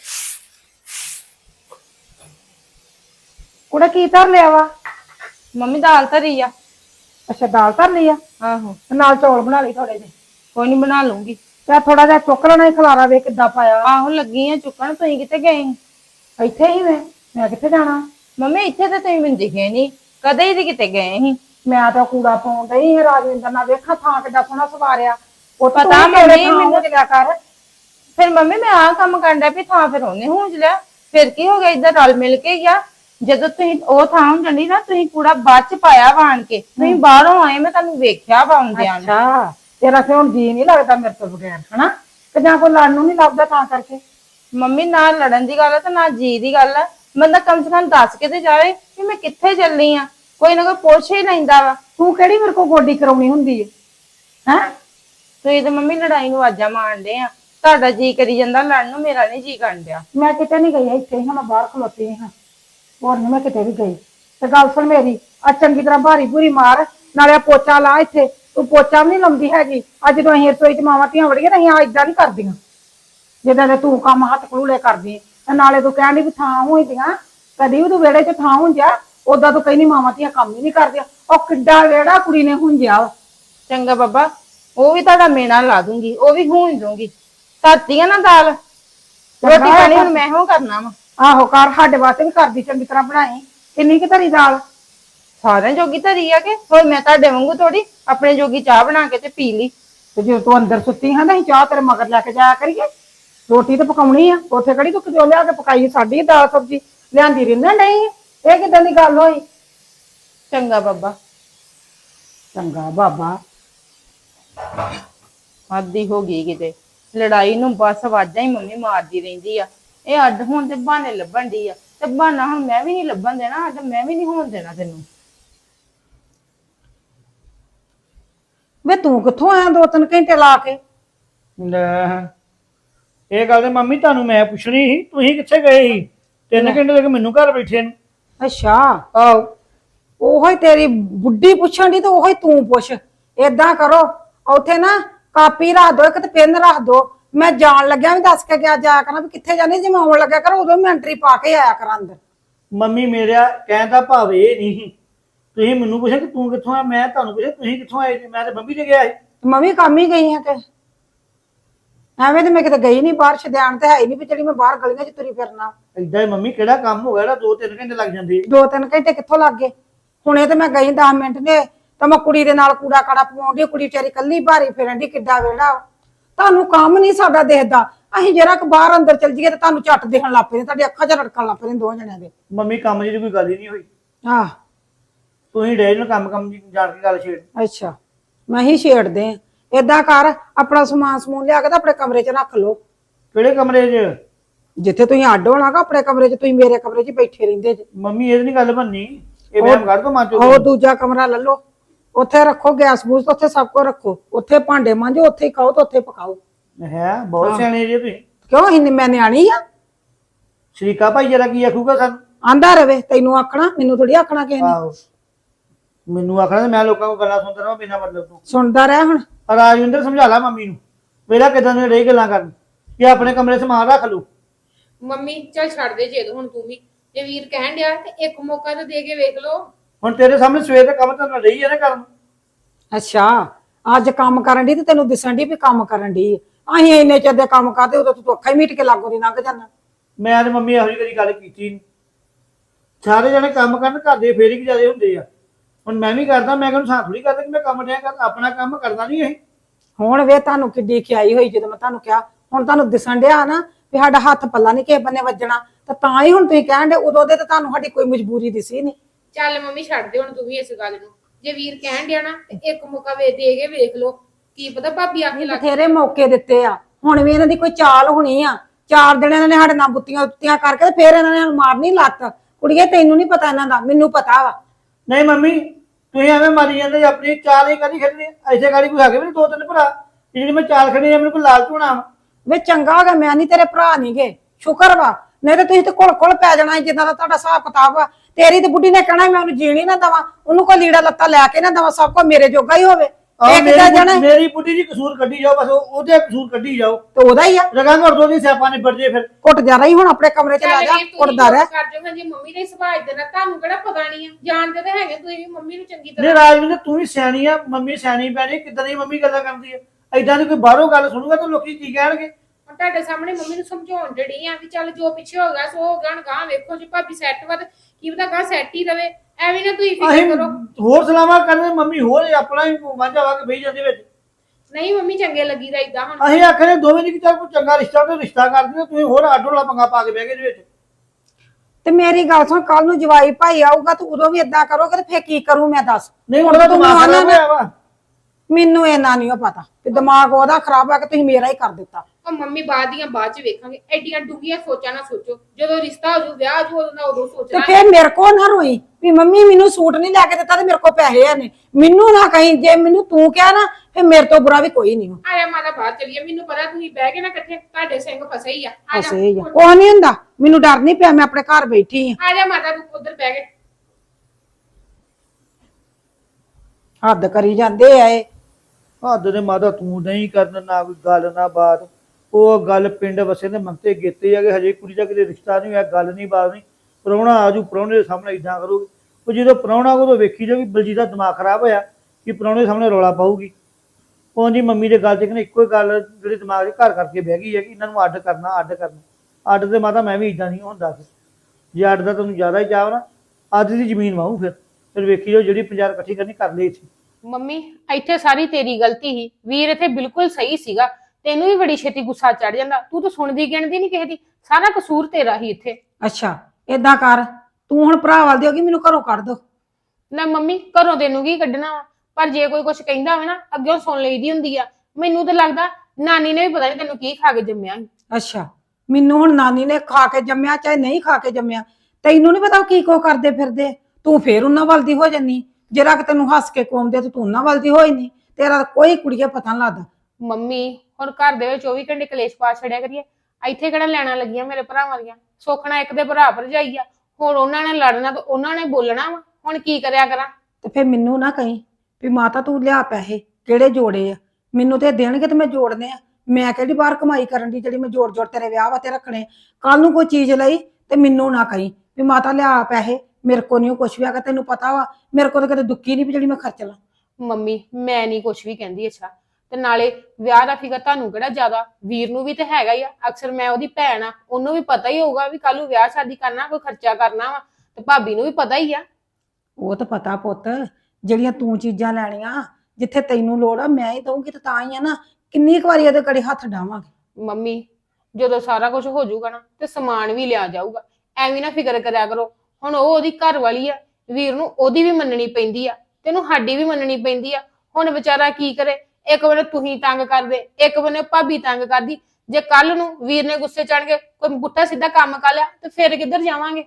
ਕੁੜਾ ਕੀ ਧਰ ਲਿਆ ਵਾ? ਮੰਮੀ ਦਾਲ ਧਰੀ ਆ। ਅੱਛਾ ਦਾਲ ਧਰ ਲਈ ਆ, ਆਹੋ ਤੇ ਨਾਲ ਚੌਲ ਬਣਾ ਲਈ ਥੋੜੇ ਜਿਹੇ। ਕੋਈ ਨਹੀਂ ਬਣਾ ਲੂੰਗੀ। ਤੇ ਥੋੜਾ ਜਿਹਾ ਚੁੱਕ ਲੈਣਾ ਹੀ ਖਲਾਰਾ ਵੇ ਕਿੱਦਾਂ ਪਾਇਆ। ਆਹੋ ਲੱਗੀ ਆ ਚੁੱਕਣ, ਤੁਸੀਂ ਕਿੱਥੇ ਗਏ ਸੀ? ਇੱਥੇ ਹੀ ਮੈਂ ਮੈਂ ਕਿੱਥੇ ਜਾਣਾ। ਮੰਮੀ ਇੱਥੇ ਤਾਂ ਤੁਸੀਂ ਮੈਨੂੰ ਦਿਖੇ ਨਹੀਂ, ਕਦੇ ਹੀ ਤੇ ਕਿਤੇ ਗਏ ਸੀ। ਮੈਂ ਤਾਂ ਕੂੜਾ ਪਾਉਣ ਡਈ ਸੀ ਰਾਜਵਿੰਦਰ ਨਾਲ, ਵੇਖਾਂ ਥਾਂ ਕਿੱਡਾ ਸੋਹਣਾ ਸਵਾਰਿਆ। ਉਹ ਤਾਂ ਪਤਾ ਤੂੰ ਮੇਰੇ ਮੰਮੀ ਥਾਂ ਮੈਨੂੰ- ਹੋ ਲਿਆ ਕਰ। ਫਿਰ ਮੰਮੀ ਮੈਂ ਆਹ ਕੰਮ ਕਰਦਾ ਵੀ ਥਾਂ ਫਿਰ ਉਹਨੇ ਹੁੰਜ ਲਿਆ, ਫਿਰ ਕੀ ਹੋ ਗਿਆ, ਇੱਧਰ ਰਲ ਮਿਲ ਕੇ ਗਿਆ। ਜਦੋਂ ਤੁਸੀਂ ਉਹ ਥਾਂ ਹੁੰਜਣੀ ਨਾ, ਤੁਸੀਂ ਕੂੜਾ ਬਾਅਦ ਚ ਪਾਇਆ ਵਾਣ ਕੇ, ਤੁਸੀਂ ਬਾਹਰੋਂ ਆਏ, ਮੈਂ ਤੁਹਾਨੂੰ ਵੇਖਿਆ ਪਾਉਂਦਿਆਂ ਨੂੰ। ਅੱਛਾ ਤੇਰਾ ਤੇ ਹੁਣ ਜੀ ਨਹੀਂ ਲੱਗਦਾ ਮੇਰੇ ਤੋਂ ਬਗੈਰ, ਹਨਾ? ਤੇ ਜਾਂ ਕੋਈ ਲੜਨ ਨੂੰ ਨਹੀਂ ਲੱਭਦਾ ਤਾਂ ਕਰਕੇ। ਮੰਮੀ ਨਾ ਲੜਨ ਦੀ ਗੱਲ ਹੈ ਤੇ ਨਾ ਜੀ ਦੀ ਗੱਲ ਹੈ। ਬੰਦਾ ਕਮ ਸੇ ਕਮ ਦੱਸ ਕੇ ਤੇ ਜਾਵੇ ਕਿ ਮੈਂ ਕਿੱਥੇ ਚੱਲੀ ਆ, ਕੋਈ ਨਾ ਕੋਈ ਪੁੱਛ ਹੀ ਲੈਂਦਾ ਵਾ। ਤੂੰ ਕਿਹੜੀ ਮੇਰੇ ਕੋਲ ਗੋਡੀ ਕਰਾਉਣੀ ਹੁੰਦੀ ਹੈ ਹੈ? ਤੁਸੀਂ ਤੇ ਮੰਮੀ ਲੜਾਈ ਨੂੰ ਆਵਾਜ਼ਾਂ ਮਾਰਦੇ ਆ, ਤੁਹਾਡਾ ਜੀ ਕਰੀ ਜਾਂਦਾ ਲੜਨ ਨੂੰ, ਮੇਰਾ ਨਹੀਂ ਜੀ ਕਰਨ ਡਿਆ। ਮੈਂ ਕਿਤੇ ਨਹੀਂ ਗਈ, ਇੱਥੇ ਹੀ ਹਾਂ, ਮੈਂ ਬਾਹਰ ਖਲੋਤੀ ਹਾਂ, ਹੋਰ ਨਹੀਂ ਮੈਂ ਕਿਤੇ ਵੀ ਗਈ। ਤੇ ਗੱਲ ਸੁਣ ਮੇਰੀ, ਆ ਚੰਗੀ ਤਰ੍ਹਾਂ ਭਾਰੀ ਭੂਰੀ ਮਾਰ, ਨਾਲੇ ਆਹ ਪੋਚਾ ਲਾ। ਇੱਥੇ ਤੂੰ ਪੋਚਾ ਵੀ ਨਹੀਂ ਲਾਉਂਦੀ ਹੈਗੀ। ਅੱਜ ਜਦੋਂ ਅਸੀਂ ਰਸੋਈ ਚ ਮਾਵਾਂ ਧੀਆਂ ਵੜੀਆਂ ਤਾਂ ਅਸੀਂ ਆ ਏਦਾਂ ਨਹੀਂ ਕਰਦੀਆਂ ਜਿੱਦਾਂ ਦੇ ਤੂੰ ਕੰਮ ਹੱਥ ਖਲੂਲੇ ਕਰਦੀ। ਤੇ ਨਾਲੇ ਤੂੰ ਕਹਿਣ ਦੀ ਵੀ ਥਾਂ ਹੋਈਆਂ, ਕਦੀ ਵੀ ਤੂੰ ਵਿਹੜੇ ਚ ਥਾਂ ਹੁੰਜਿਆ, ਓਦਾਂ ਤੂੰ ਕਹਿੰਦੀ ਮਾਵਾਂ ਧੀਆਂ ਕੰਮ ਹੀ ਨਹੀਂ ਕਰਦੀਆਂ। ਉਹ ਕਿੱਡਾ ਵਿਹੜਾ ਕੁੜੀ ਨੇ ਹੁੰਜਿਆ ਵਾ। ਚੰਗਾ ਬਾਬਾ, ਉਹ ਵੀ ਤੁਹਾਡਾ ਮੇਣਾ ਲਾ ਦੂੰਗੀ, ਉਹ ਵੀ ਹੁੰਜ ਦੂੰਗੀ। ਧਰਤੀ ਆ ਨਾ ਦਾਲ, ਰੋਟੀ ਪਾਣੀ ਹੁਣ ਮੈਂ ਹੋ ਕਰਨਾ ਵਾ। ਆਹੋ ਕਰ, ਸਾਡੇ ਵਾਸਤੇ ਵੀ ਕਰਦੀ ਚੰਗੀ ਤਰ੍ਹਾਂ ਬਣਾਈ। ਕਿੰਨੀ ਕੁ ਧਰੀ ਦਾਲ? ਸਾਰਿਆਂ ਜੋਗੀ ਧਰੀ ਆ ਕੇ, ਹੋਰ ਮੈਂ ਤੁਹਾਡੇ ਵਾਂਗੂ ਥੋੜੀ ਆਪਣੇ ਜੋਗੀ ਚਾਹ ਬਣਾ ਕੇ ਤੇ ਪੀ ਲਈ। ਤੇ ਜੇ ਤੂੰ ਅੰਦਰ ਸੁੱਤੀ ਹਾਂ ਤਾਂ ਅਸੀਂ ਚਾਹ ਤੇਰੇ ਮਗਰ ਲੈ ਕੇ ਜਾਇਆ ਕਰੀਏ। ਰੋਟੀ ਤਾਂ ਪਕਾਉਣੀ ਆ, ਉੱਥੇ ਕਿਹੜੀ ਤੂੰ ਕਿਤੇ ਲਿਆ ਕੇ ਪਕਾਈ? ਸਾਡੀ ਦਾਲ ਸਬਜ਼ੀ ਲਿਆਂਦੀ ਰਹਿੰਦਾ ਨਹੀਂ। ਇਹ ਕਿਦਾਂ ਦੀ ਗੱਲ ਹੋਈ? ਚੰਗਾ ਬਾਬਾ। ਚੰਗਾ ਬਾਬਾ ਹੱਦੀ ਹੋ ਗਈ ਕਿਤੇ, ਲੜਾਈ ਨੂੰ ਬਸ ਆਵਾਜ਼ਾਂ ਹੀ ਮੰਮੀ ਮਾਰਦੀ ਰਹਿੰਦੀ ਆ। ਇਹ ਅੱਡ ਹੁਣ ਤੇ ਬਹਾਨੇ ਲੱਭਣ ਦੀ ਆ, ਤੇ ਬਹਾਨਾ ਹੁਣ ਮੈਂ ਵੀ ਨਹੀਂ ਲੱਭਣ ਦੇਣਾ, ਅੱਡ ਮੈਂ ਵੀ ਨਹੀਂ ਹੋਣ ਦੇਣਾ ਤੈਨੂੰ। ਵੇ ਤੂੰ ਕਿੱਥੋਂ ਆਇਆ ਦੋ ਤਿੰਨ ਘੰਟੇ ਲਾ ਕੇ? ਲੈ, ਇਹ ਗੱਲ ਤੇ ਮੰਮੀ ਤੁਹਾਨੂੰ ਮੈਂ ਪੁੱਛਣੀ ਸੀ, ਤੁਸੀਂ ਕਿੱਥੇ ਗਏ ਸੀ? ਤਿੰਨ ਘੰਟੇ ਤੱਕ ਮੈਨੂੰ ਘਰ ਬੈਠੇ ਨੂੰ। ਅੱਛਾ, ਆਹੋ, ਉਹੋ ਹੀ ਤੇਰੀ ਬੁੱਢੀ ਪੁੱਛਣ ਦੀ ਤੇ ਉਹੋ ਹੀ ਤੂੰ ਪੁੱਛ। ਏਦਾਂ ਕਰੋ, ਉੱਥੇ ਨਾ ਕਾਪੀ ਰੱਖ ਦੋ, ਇੱਕ ਤੇ ਪੈਨ ਰੱਖ ਦੋ। ਮੈਂ ਜਾਣ ਲੱਗਿਆ ਵੀ ਦੱਸ ਕੇ ਗਿਆ ਜਾਇਆ ਕਰਾਂ ਵੀ ਕਿੱਥੇ ਜਾਂਦੇ। ਜੇ ਮੈਂ ਆਉਣ ਲੱਗਿਆ ਕਰ ਉਦੋਂ ਮੈਂ ਐਂਟਰੀ ਪਾ ਕੇ ਆਇਆ ਕਰਾਂ ਅੰਦਰ। ਮੰਮੀ ਮੇਰਾ ਕਹਿਣ ਦਾ ਭਾਵ ਇਹ ਨਹੀਂ ਸੀ, ਤੁਸੀਂ ਮੈਨੂੰ ਪੁੱਛਿਆ ਕਿ ਤੂੰ ਕਿੱਥੋਂ ਆ, ਮੈਂ ਤੁਹਾਨੂੰ ਪੁੱਛਿਆ ਤੁਸੀਂ ਕਿੱਥੋਂ ਆਏ ਜੀ। ਮੈਂ ਤੇ ਬੰਬੀ ਤੇ ਗਿਆ ਸੀ। ਮੈਂ ਵੀ ਕੰਮ ਹੀ ਗਈ ਹਾਂ ਕਿ ਐਵੇਂ ਤੇ ਮੈਂ ਕਿਤੇ ਗਈ ਨਹੀਂ ਬਾਹਰ। ਛਦਿਆਣ ਤੇ ਹੈ ਹੀ ਨਹੀਂ ਵੀ ਜਿਹੜੀ ਮੈਂ ਬਾਹਰ ਗਲੀਆਂ 'ਚ ਤੁਰੀ ਫਿਰਨਾ। ਏਦਾਂ ਹੀ ਮੰਮੀ ਕਿਹੜਾ ਕੰਮ ਹੋ ਗਿਆ ਜਿਹੜਾ ਦੋ ਤਿੰਨ ਘੰਟੇ ਲੱਗ ਜਾਂਦੇ? ਦੋ ਤਿੰਨ ਘੰਟੇ ਕਿੱਥੋਂ ਲੱਗ ਗਏ? ਹੁਣੇ ਤੇ ਮੈਂ ਗਈ ਦਸ ਮਿੰਟ ਨੇ, ਤਾਂ ਮੈਂ ਕੁੜੀ ਦੇ ਨਾਲ ਕੂੜਾ ਕਾੜਾ ਪਵਾਉਂਦੀ। ਕੁੜੀ ਵਿਚਾਰੀ ਕੱਲੀ ਭਾਰੀ ਫਿਰਨ ਦੀ, ਕਿੱਡਾ ਵਿਹੜਾ। ਤੁਹਾਨੂੰ ਕੰਮ ਨਹੀਂ ਸਾਡਾ ਦੇਖਦਾ। ਅਸੀਂ ਜਰਾ ਕੁ ਬਾਹਰ ਅੰਦਰ ਚੱਲ ਜੀਏ ਤੇ ਤੁਹਾਨੂੰ ਝੱਟ ਦੇਖਣ ਲੱਗ ਪਏ, ਤੁਹਾਡੀ ਅੱਖਾਂ 'ਚ ਰੜਕਣ ਲੱਗ ਪਏ ਦੋ ਜਣਿਆਂ ਦੇ। ਮੰਮੀ ਕੰਮ ਦੀ ਕੋਈ ਗੱਲ ਹੀ ਨਹੀਂ ਹੋਈ, ਆਹ ਤੁਸੀਂ ਡੇ ਨੂੰ ਕੰਮ ਕੰਮ ਦੀ ਜਾਣ ਕੇ ਗੱਲ ਛੇੜ। ਅੱਛਾ, ਮੈਂ ਹੀ ਛੇੜਦੇ। ਏਦਾਂ ਕਰ, ਆਪਣਾ ਸਮਾਨ ਸਮੂਨ ਲਿਆ ਕੇ ਤਾਂ ਆਪਣੇ ਕਮਰੇ 'ਚ ਰੱਖ ਲਓ। ਕਿਹੜੇ ਕਮਰੇ 'ਚ? ਜਿੱਥੇ ਤੁਸੀਂ ਅੱਡ ਹੋਣਾਗਾ ਆਪਣੇ ਕਮਰੇ 'ਚ। ਤੁਸੀਂ ਮੇਰੇ ਕਮਰੇ 'ਚ ਬੈਠੇ ਰਹਿੰਦੇ ਜੇ। ਮੰਮੀ ਇਹ ਨਹੀਂ ਗੱਲ ਬੰਨੀ, ਇਹ ਮੈਂ ਕੱਢ ਦੋ ਮਾਚੋ। ਉਹ ਦੂਜਾ ਕਮਰਾ ਲੈ ਲਓ, ਉੱਥੇ ਰੱਖੋ ਗੈਸ ਗੂਸ, ਉੱਥੇ ਸਭ ਕੁਝ ਰੱਖੋ। ਉੱਥੇ ਭਾਂਡੇ ਮਾਂਜੋ, ਉੱਥੇ ਹੀ ਖਾਓ ਤੇ ਉੱਥੇ ਪਕਾਓ। ਹੈ ਬਹੁਤ ਸਿਆਣੇ ਜੇ ਤੁਸੀਂ। ਕਿਉਂ ਹੀ ਮੈਂ ਨਿਆਣੀ ਆ? ਸ਼ਰੀਕਾ ਭਾਈ ਜਰਾ ਕੀ ਆਖੂਗਾ ਸਾਨੂੰ? ਆਂਦਾ ਰਵੇ, ਤੈਨੂੰ ਆਖਣਾ, ਮੈਨੂੰ ਥੋੜੀ ਆਖਣਾ ਕਿਸੇ ਨੇ। ਆਹੋ, ਮੈਨੂੰ ਆਖਣਾ ਤੇ ਮੈਂ ਲੋਕਾਂ ਕੋਲ ਗੱਲਾਂ ਸੁਣਦਾ ਰਹਾਂ ਬਿਨਾਂ ਮਤਲਬ ਤੋਂ। ਸੁਣਦਾ ਰਹਿ ਹੁਣ। ਰਾਜਵਿੰਦਰ ਸਮਝਾ ਲਾ ਮੰਮੀ ਨੂੰ, ਮੇਰਾ ਕਿਦਾਂ ਦੇ ਰਹੀ ਗੱਲਾਂ ਕਰਨ ਕਿ ਆਪਣੇ ਕਮਰੇ 'ਚ ਸਮਾਨ ਰੱਖ ਲਓ। ਮੰਮੀ ਚੱਲ ਛੱਡ ਦੇ ਜਿੱਦ ਹੁਣ ਤੂੰ ਵੀ। ਜੇ ਵੀਰ ਕਹਿਣ ਡਿਆ ਤੇ ਇੱਕ ਮੌਕਾ ਤਾਂ ਦੇ ਕੇ ਵੇਖ ਲਓ। ਹੁਣ ਤੇਰੇ ਸਾਹਮਣੇ ਸਵੇਰ ਦਾ ਕੰਮ ਤਾਂ ਰਹੀ ਹੈ ਨਾ ਕਰਨ। ਅੱਛਾ, ਅੱਜ ਕੰਮ ਕਰਨ ਦੀ ਤੇ ਤੈਨੂੰ ਦਿਸਣ ਦੀ ਵੀ ਕੰਮ ਕਰਨ ਦੀ। ਅਸੀਂ ਇੰਨੇ ਚਿਰ ਦੇ ਕੰਮ ਕਰਦੇ, ਉਦੋਂ ਤੂੰ ਅੱਖਾਂ ਹੀ ਮੀਟ ਕੇ ਲਾਗੋ ਦੀ ਲੰਘ ਜਾਣਾ। ਮੈਂ ਤੇ ਮੰਮੀ ਇਹੋ ਜਿਹੀ ਕਦੀ ਗੱਲ ਕੀਤੀ ਨੀ। ਸਾਰੇ ਜਣੇ ਕੰਮ ਕਰਨ, ਘਰ ਦੇ ਫੇਰ ਹੀ ਜ਼ਿਆਦੇ ਹੁੰਦੇ ਆ। ਹੁਣ ਮੈਂ ਵੀ ਕਰਦਾ, ਮੈਂ ਕਹਿੰਦਾ ਸਾਂ ਥੋੜੀ ਕਰਦਾ ਕਿ ਮੈਂ ਕੰਮ ਡਿਆ ਕਰ, ਆਪਣਾ ਕੰਮ ਕਰਦਾ ਨਹੀਂ ਇਹ। ਹੁਣ ਵੇ ਤੁਹਾਨੂੰ ਕਿੱਡੀ ਖਿਆਈ ਹੋਈ ਜਦੋਂ ਮੈਂ ਤੁਹਾਨੂੰ ਕਿਹਾ। ਹੁਣ ਤੁਹਾਨੂੰ ਦਿਸਣ ਡਿਆ ਨਾ ਵੀ ਸਾਡਾ ਹੱਥ ਪੱਲਾ ਨਹੀਂ ਕਿਸੇ ਬੰਨੇ ਵੱਜਣਾ, ਤਾਂ ਤਾਂ ਹੀ ਹੁਣ ਤੁਸੀਂ ਕਹਿਣ ਦੇ। ਉਦੋਂ ਦੇ ਤਾਂ ਤੁਹਾਨੂੰ ਸਾਡੀ ਕੋਈ ਮਜਬੂਰੀ ਦਿਸੀ ਨਹੀਂ। ਚੱਲ ਮੰਮੀ ਛੱਡ ਦੇ ਹੁਣ ਤੂੰ ਵੀ ਇਸ ਗੱਲ ਨੂੰ। ਜੇ ਵੀਰ ਕਹਿਣ ਡਿਆ ਨਾ ਤੇ ਇੱਕ ਮੌਕਾ ਵੇ ਦੇ ਕੇ ਵੇਖ ਲਓ, ਕੀ ਪਤਾ ਭਾਬੀ ਆਖੇ ਲੱਗ। ਬਥੇਰੇ ਮੌਕੇ ਦਿੱਤੇ ਆ, ਹੁਣ ਵੀ ਇਹਨਾਂ ਦੀ ਕੋਈ ਚਾਲ ਹੋਣੀ ਆ। ਚਾਰ ਦਿਨ ਇਹਨਾਂ ਨੇ ਸਾਡੇ ਨਾਲ ਬੁੱਤੀਆਂ ਉੱਤੀਆਂ ਕਰਕੇ ਤੇ ਫੇਰ ਇਹਨਾਂ ਨੇ ਮਾਰਨੀ ਲੱਤ। ਕੁੜੀਏ ਤੈਨੂੰ ਨਹੀਂ ਪਤਾ ਇਹਨਾਂ ਦਾ, ਮੈਨੂੰ ਪਤਾ ਵਾ। ਨਹੀਂ ਮੰਮੀ, ਤੁਸੀਂ ਐਵੇਂ ਮਾਰੀ ਜਾਂਦੇ ਆਪਣੀ ਚਾਲ ਹੀ ਕਦੀ ਖੇਡਣੀ। ਐਸੇ ਗਾੜੀ ਕੋਈ ਹੈਗੇ ਵੀ ਦੋ ਤਿੰਨ ਭਰਾ, ਜਿਹੜੀ ਮੈਂ ਚਾਲ ਖੜੀ ਆ ਮੈਨੂੰ ਕੋਈ ਲਾਲਚ ਹੋਣਾ ਵਾ। ਵੇ ਚੰਗਾ ਹੋ ਗਿਆ ਮੈਂ ਨਹੀਂ ਤੇਰੇ ਭਰਾ ਨਹੀਂ ਗੇ, ਸ਼ੁਕਰ ਵਾ। ਨਹੀਂ ਤੇ ਤੁਸੀਂ ਤੇ ਕੋਲ ਕੋਲ ਪੈ ਜਾਣਾ ਜਿੱਦਾਂ ਦਾ ਤੁਹਾਡਾ ਹਿਸਾਬ ਕਿਤਾਬ ਵਾ। ਤੇਰੀ ਤੇ ਬੁੱਢੀ ਨੇ ਕਹਿਣਾ ਮੈਂ ਉਹਨੂੰ ਜੀਣੀ ਨਾ ਦਵਾਂ, ਉਹਨੂੰ ਕੋਈ ਲੀੜਾ ਲੱਤਾ ਲੈ ਕੇ ਨਾ ਦਵਾਂ, ਸਭ ਕੁਝ ਮੇਰੇ ਜੋਗਾ ਹੀ ਹੋਵੇ। ਇਹ ਕਿੱਦਾਂ ਜਾਣਾ? ਮੇਰੀ ਬੁੱਢੀ ਜੀ ਕਸੂਰ ਕੱਢੀ ਜਾਓ, ਬਸ ਉਹਦੇ ਕਸੂਰ ਕੱਢੀ ਜਾਓ ਤੇ ਉਹਦਾ ਹੀ ਆ। ਰਗਾਂ ਘੜ ਦੋ ਦੀ ਸਿਆਪਾ ਨਿਬੜ ਜੇ ਫਿਰ। ਕੁੱਟ ਜਾ ਰਹੀ ਹੁਣ ਆਪਣੇ ਕਮਰੇ 'ਚ ਲੈ ਜਾ, ਕੁੱਟਦਾ ਰਹਿ। ਕਰ ਜੋ ਜੇ ਮੰਮੀ ਦੇ ਸੁਭਾਅ ਦੇ ਨਾਲ ਤੁਹਾਨੂੰ ਕਿਹੜਾ ਪਤਾ ਨਹੀਂ ਆ, ਜਾਣਦੇ ਤਾਂ ਹੈਗੇ ਤੁਸੀਂ ਵੀ ਮੰਮੀ ਨੂੰ ਚੰਗੀ ਨਹੀਂ ਤਰ੍ਹਾਂ। ਰਾਜਵਿੰਦਰ ਤੂੰ ਵੀ ਸਿਆਣੀ ਆ, ਮੰਮੀ ਸਿਆਣੀ ਪੈਣੀ। ਕਿੱਦਾਂ ਦੀ ਮੰਮੀ ਗੱਲਾਂ ਕਰਦੀ ਆ? ਐਦਾਂ ਦੀ ਕੋਈ ਬਾਹਰੋਂ ਗੱਲ ਸੁਣੂਗਾ ਤਾਂ ਲੋਕੀ ਕੀ ਕਹਿਣਗੇ? ਹੁਣ ਤੁਹਾਡੇ ਸਾਹਮਣੇ ਮੰਮੀ ਨੂੰ ਸਮਝਾਉਣ ਡੜੀ ਆ ਵੀ ਚੱਲ ਜੋ ਪਿੱਛੇ ਹੋ ਗਿਆ ਸੋ ਹੋ ਗਿਆ, ਹੁਣ ਗਾਂ ਵੇਖੋ ਜੇ ਭਾਬੀ ਸੈੱਟ ਵਾ ਤੇ ਕੀ ਪਤਾ ਗਾਂ ਸੈੱਟ ਹੀ ਰਵੇ। ਐਵੇਂ ਨਾ ਤੁਸੀਂ ਅਸੀਂ ਫਿਕਰ ਕਰੋ। ਹੋਰ ਸਲਾਮਾਂ ਕਰਨੇ, ਮੰਮੀ ਹੋਰ ਆਪਣਾ ਹੀ ਵਾਂਝਾ ਵਾ ਕੇ ਬਈ ਜਾਂਦੇ ਵਿੱਚ। ਨਹੀਂ ਮੰਮੀ ਚੰਗੇ ਲੱਗੀਦਾ ਇਦਾਂ ਹੁਣ। ਅਸੀਂ ਆਖਣੇ ਦੋਵੇਂ ਦੀ ਕਿ ਚੱਲ ਕੋਈ ਚੰਗਾ ਰਿਸ਼ਤਾ ਤੇ ਰਿਸ਼ਤਾ ਕਰ ਦਿੰਦੇ, ਤੁਸੀਂ ਹੋਰ ਆਡੋ ਵਾਲਾ ਪੰਗਾ ਪਾ ਕੇ ਬਹਿ ਗਏ ਇਹਦੇ ਵਿੱਚ। ਤੇ ਮੇਰੀ ਗੱਲ ਸੁਣ, ਕੱਲ ਨੂੰ ਜਵਾਈ ਭਾਈ ਆਊਗਾ ਤੂੰ ਉਦੋਂ ਵੀ ਏਦਾਂ ਕਰੋਗੇ ਤੇ ਫੇਰ ਕੀ ਕਰੂੰ ਮੈਂ ਦੱਸ? ਨਹੀਂ ਹੁਣ ਤਾਂ ਤੂੰ ਦਿਮਾਗ ਆਉਣਾ ਖਰਾਬ ਨਾ- ਹੋਇਆ ਵਾ। ਮੈਨੂੰ ਇਹਨਾਂ ਨਹੀਂ ਪਤਾ ਤੇ ਦਿਮਾਗ ਉਹਦਾ ਖਰਾਬ ਆ ਕਿ ਤੁਸੀਂ ਮੇਰਾ ਹੀ ਕਰ ਦਿੱਤਾ। ਉਹ ਮੰਮੀ ਬਾਅਦ ਦੀਆਂ ਬਾਅਦ ਚ ਵੇਖਾਂਗੇ, ਐਡੀਆਂ ਡੂੰਘੀਆਂ ਸੋਚਾਂ ਨਾ ਸੋਚੋ। ਜਦੋਂ ਰਿਸ਼ਤਾ ਹੋ ਜੂ ਵਿਆਹ ਹੋ ਜੂ ਉਦੋਂ ਦਾ ਉਦੋਂ ਤੇ ਸੋਚਣਾ। ਫੇਰ ਮੇਰੇ ਕੋਲ ਨਾ ਰੋਈ ਵੀ ਮੰਮੀ ਮੈਨੂੰ ਸੂਟ ਨਹੀਂ ਲੈ ਕੇ ਦਿੱਤਾ ਤੇ ਮੇਰੇ ਕੋਲ ਪੈਸੇ ਆ ਨੇ। ਮੈਨੂੰ ਨਾ ਕਹੀਂ, ਜੇ ਮੈਨੂੰ ਤੂੰ ਕਿਹਾ ਨਾ ਫੇਰ ਮੇਰੇ ਤੋਂ ਬੁਰਾ ਵੀ ਕੋਈ ਨਹੀਂ। ਆਇਆ ਮਾਤਾ ਬਾਹਰ ਚਲੀਏ, ਮੈਨੂੰ ਪਤਾ ਤੁਸੀਂ ਬਹਿ ਕੇ ਨਾ ਇਕੱਠੇ ਤੁਹਾਡੇ ਸਿੰਘ ਫਸੇ ਹੀ ਆ। ਆ ਜਾ ਫਸੇ ਹੀ ਆ, ਉਹ ਨਹੀਂ ਹੁੰਦਾ, ਮੈਨੂੰ ਡਰ ਨਹੀਂ ਪਿਆ, ਮੈਂ ਆਪਣੇ ਘਰ ਬੈਠੀ ਆ। ਆ ਜਾ ਮਾਤਾ ਤੂੰ ਉਧਰ ਬਹਿ ਕੇ। ਹੱਦ ਕਰੀ ਜਾਂਦੇ ਆ ਇਹ। ਹੱਦ ਦੇ ਮਾਤਾ ਤੂੰ ਨਹੀਂ ਕਰਨ, ਨਾ ਕੋਈ ਗੱਲ ਨਾ ਬਾਤ। ਉਹ ਗੱਲ ਪਿੰਡ ਵਸੇ ਨੇ ਮੰਗਤੇ ਗੇਤੇ ਆ ਕਿ ਹਜੇ ਕੁੜੀ ਦਾ ਕਿਤੇ ਰਿਸ਼ਤਾ ਨਹੀਂ ਹੋਇਆ, ਗੱਲ ਨਹੀਂ ਬਾਤ ਨਹੀਂ। ਪ੍ਰਾਹੁਣਾ ਆਜੂ, ਪ੍ਰਾਹੁਣੇ ਦੇ ਸਾਹਮਣੇ ਇਦਾਂ ਕਰੂਗੀ। ਉਹ ਜਦੋਂ ਪ੍ਰਾਹੁਣਾ ਉਦੋਂ ਵੇਖੀ ਜਾਊਗੀ ਬਲਜੀਤ ਦਾ ਦਿਮਾਗ ਖਰਾਬ ਹੋਇਆ ਕਿ ਪ੍ਰਾਹੁਣੇ ਦੇ ਸਾਹਮਣੇ ਰੌਲਾ ਪਾਊਗੀ। ਉਹ ਜੀ ਮੰਮੀ ਦੇ ਗੱਲ 'ਚ ਕਹਿੰਦੇ ਇੱਕੋ ਹੀ ਗੱਲ ਜਿਹੜੀ ਦਿਮਾਗ 'ਚ ਘਰ ਕਰਕੇ ਬਹਿ ਗਈ ਹੈ ਕਿ ਇਹਨਾਂ ਨੂੰ ਅੱਡ ਕਰਨਾ ਅੱਡ ਕਰਨਾ। ਅੱਡ ਤੇ ਮਾਤਾ ਮੈਂ ਵੀ ਇਦਾਂ ਨਹੀਂ ਹੁੰਦਾ। ਫਿਰ ਜੇ ਅੱਡ ਦਾ ਤੁਹਾਨੂੰ ਜ਼ਿਆਦਾ ਹੀ ਚਾਹ ਨਾ, ਅੱਧ ਦੀ ਜ਼ਮੀਨ ਵਾਹੂ। ਫਿਰ ਫਿਰ ਵੇਖੀ ਜਾਓ ਜਿਹੜੀ ਪੰਜਾਹ ਇਕੱਠੀ ਕਰਨੀ ਕਰ ਲਈ ਇੱਥੇ। ਮੰਮੀ ਇੱਥੇ ਸਾਰੀ ਤੇਰੀ ਗਲਤੀ ਸੀ। ਵੀਰ ਇੱਥੇ ਬਿਲਕੁਲ ਸਹੀ ਸੀਗਾ। ਤੈਨੂੰ ਵੀ ਬੜੀ ਛੇਤੀ ਗੁੱਸਾ ਚੜ ਜਾਂਦਾ। ਤੂੰ ਤਾਂ ਸੁਣਦੀ ਗਿਣਦੀ ਨਹੀਂ ਕਿਸੇ ਦੀ। ਸਾਰਾ ਕਸੂਰ ਤੇਰਾ ਹੀ ਇੱਥੇ। ਅੱਛਾ ਏਦਾਂ ਕਰ, ਤੂੰ ਹੁਣ ਭਰਾ ਵੱਲ ਦਿਓਗੀ, ਮੈਨੂੰ ਘਰੋਂ ਕੱਢ ਦੋ। ਨਾ ਮੰਮੀ ਘਰੋਂ ਤੈਨੂੰ ਕੀ ਕੱਢਣਾ ਵਾ, ਪਰ ਜੇ ਕੋਈ ਕੁਝ ਕਹਿੰਦਾ ਹੋਵੇ ਨਾ ਅੱਗਿਓਂ ਸੁਣ ਲਈਦੀ ਹੁੰਦੀ ਆ। ਮੈਨੂੰ ਤਾਂ ਲੱਗਦਾ ਨਾਨੀ ਨੇ ਵੀ ਪਤਾ ਨਹੀਂ ਤੈਨੂੰ ਕੀ ਖਾ ਕੇ ਜੰਮਿਆ ਸੀ। ਅੱਛਾ ਮੈਨੂੰ ਹੁਣ ਨਾਨੀ ਨੇ ਖਾ ਕੇ ਜੰਮਿਆ ਚਾਹੇ ਨਹੀਂ ਖਾ ਕੇ ਜੰਮਿਆ, ਤੈਨੂੰ ਨਹੀਂ ਪਤਾ ਉਹ ਕੀ ਕੋ ਕਰਦੇ ਫਿਰਦੇ। ਤੂੰ ਫੇਰ ਉਹਨਾਂ ਵੱਲ ਦੀ ਹੋ ਜੰਨੀ, ਜਿਹੜਾ ਕਿ ਤੈਨੂੰ ਹੱਸ ਕੇ ਕੋਮਦੇ ਤੇ ਤੂੰ ਉਹਨਾਂ ਵੱਲ ਦੀ ਹੋਈ ਨਹੀਂ। ਤੇਰਾ ਕੋਈ ਕੁੜੀਏ ਪਤਾ ਨਹੀਂ ਲੱਗਦਾ। ਮੰਮੀ ਹੁਣ ਘਰ ਦੇ ਵਿੱਚ ਚੌਵੀ ਘੰਟੇ ਕਲੇਸ਼ ਪਾ ਛੜਿਆ ਕਰੀਏ। ਇੱਥੇ ਕਿਹੜਾ ਲੈਣਾ ਲੱਗੀਆਂ ਮੇਰੇ ਭਰਾਵਾਂ ਦੀਆਂ। ਸੋਖਣਾ ਇੱਕ ਦੇ ਭਰਾ ਭਰਜਾਈ ਆ, ਹੁਣ ਉਹਨਾਂ ਨੇ ਲੜਨਾ ਤੇ ਉਹਨਾਂ ਨੇ ਬੋਲਣਾ ਵਾ। ਹੁਣ ਕੀ ਕਰਿਆ ਕਰਾਂ? ਤੇ ਫੇਰ ਮੈਨੂੰ ਨਾ ਕਹੀਂ ਵੀ ਮਾਤਾ ਤੂੰ ਲਿਆ ਪੈਸੇ ਕਿਹੜੇ ਜੋੜੇ ਆ, ਮੈਨੂੰ ਤੇ ਦੇਣਗੇ ਤੇ ਮੈਂ ਜੋੜਨੇ ਆ। ਮੈਂ ਕਿਹੜੀ ਬਾਹਰ ਕਮਾਈ ਕਰਨ ਦੀ ਜਿਹੜੀ ਮੈਂ ਜੋੜ ਜੋੜ ਤੇਰੇ ਵਿਆਹ ਵਾ ਤੇ ਰੱਖਣੇ। ਕੱਲ ਨੂੰ ਕੋਈ ਚੀਜ਼ ਲਈ ਤੇ ਮੈਨੂੰ ਨਾ ਕਹੀਂ ਵੀ ਮਾਤਾ ਲਿਆ ਪੈਸੇ, ਮੇਰੇ ਕੋ ਨਹੀਂ ਕੁਛ ਵੀ ਹੈਗਾ। ਤੈਨੂੰ ਪਤਾ ਵਾ ਮੇਰੇ ਕੋਲ ਤਾਂ ਕਦੇ ਦੁੱਕੀ ਨਹੀਂ ਵੀ ਜਿਹੜੀ ਮੈਂ ਖਰਚ ਲਾਂ। ਮੰਮੀ ਮੈਂ ਨਹੀਂ ਕੁਛ ਵੀ ਕਹਿੰਦੀ। ਅੱਛਾ ਤੇ ਨਾਲੇ ਵਿਆਹ ਦਾ ਫਿਕਰ ਤੁਹਾਨੂੰ ਕਿਹੜਾ ਜ਼ਿਆਦਾ, ਵੀਰ ਨੂੰ ਵੀ ਤੇ ਹੈਗਾ ਹੀ ਆ। ਅਕਸਰ ਮੈਂ ਉਹਦੀ ਭੈਣ ਆ, ਉਹਨੂੰ ਵੀ ਪਤਾ ਹੀ ਹੋਊਗਾ ਵੀ ਕੱਲ ਨੂੰ ਵਿਆਹ ਸ਼ਾਦੀ ਕਰਨਾ, ਕੋਈ ਖਰਚਾ ਕਰਨਾ ਵਾ। ਤੇ ਭਾਬੀ ਨੂੰ ਵੀ ਪਤਾ ਹੀ ਆ। ਉਹ ਤਾਂ ਪਤਾ ਪੁੱਤ, ਜਿਹੜੀਆਂ ਤੂੰ ਚੀਜ਼ਾਂ ਲੈਣੀਆਂ ਜਿੱਥੇ ਤੈਨੂੰ ਲੋੜ ਆ ਮੈਂ ਹੀ ਦਊਂਗੀ ਤੇ ਤਾਂ ਹੀ ਆ ਨਾ। ਕਿੰਨੀ ਕੁ ਵਾਰੀ ਉਹਦੇ ਕੜੇ ਹੱਥ ਡਾਵਾਂਗੇ। ਮੰਮੀ ਜਦੋਂ ਸਾਰਾ ਕੁਝ ਹੋ ਜਾਊਗਾ ਨਾ ਤੇ ਸਮਾਨ ਵੀ ਲਿਆ ਜਾਊਗਾ। ਐਵੇਂ ਨਾ ਫਿਕਰ ਕਰਿਆ ਕਰੋ। ਹੁਣ ਉਹ ਉਹਦੀ ਘਰ ਵਾਲੀ ਆ, ਵੀਰ ਨੂੰ ਉਹਦੀ ਵੀ ਮੰਨਣੀ ਪੈਂਦੀ ਆ, ਤੈਨੂੰ ਸਾਡੀ ਵੀ ਮੰਨਣੀ ਪੈਂਦੀ ਆ। ਹੁਣ ਵਿਚਾਰਾ ਕੀ ਕਰੇ? ਇੱਕ ਵਾਰ ਤੁਸੀਂ ਤੰਗ ਕਰਦੇ, ਇੱਕ ਵਾਰ ਭਾਬੀ ਤੰਗ ਕਰਦੀ। ਜੇ ਕੱਲ ਨੂੰ ਵੀਰ ਨੇ ਗੁੱਸੇ ਚੜ ਕੇ ਕੋਈ ਪੁੱਠਾ ਸਿੱਧਾ ਕੰਮ ਕਰ ਲਿਆ ਤੇ ਫਿਰ ਕਿੱਧਰ ਜਾਵਾਂਗੇ?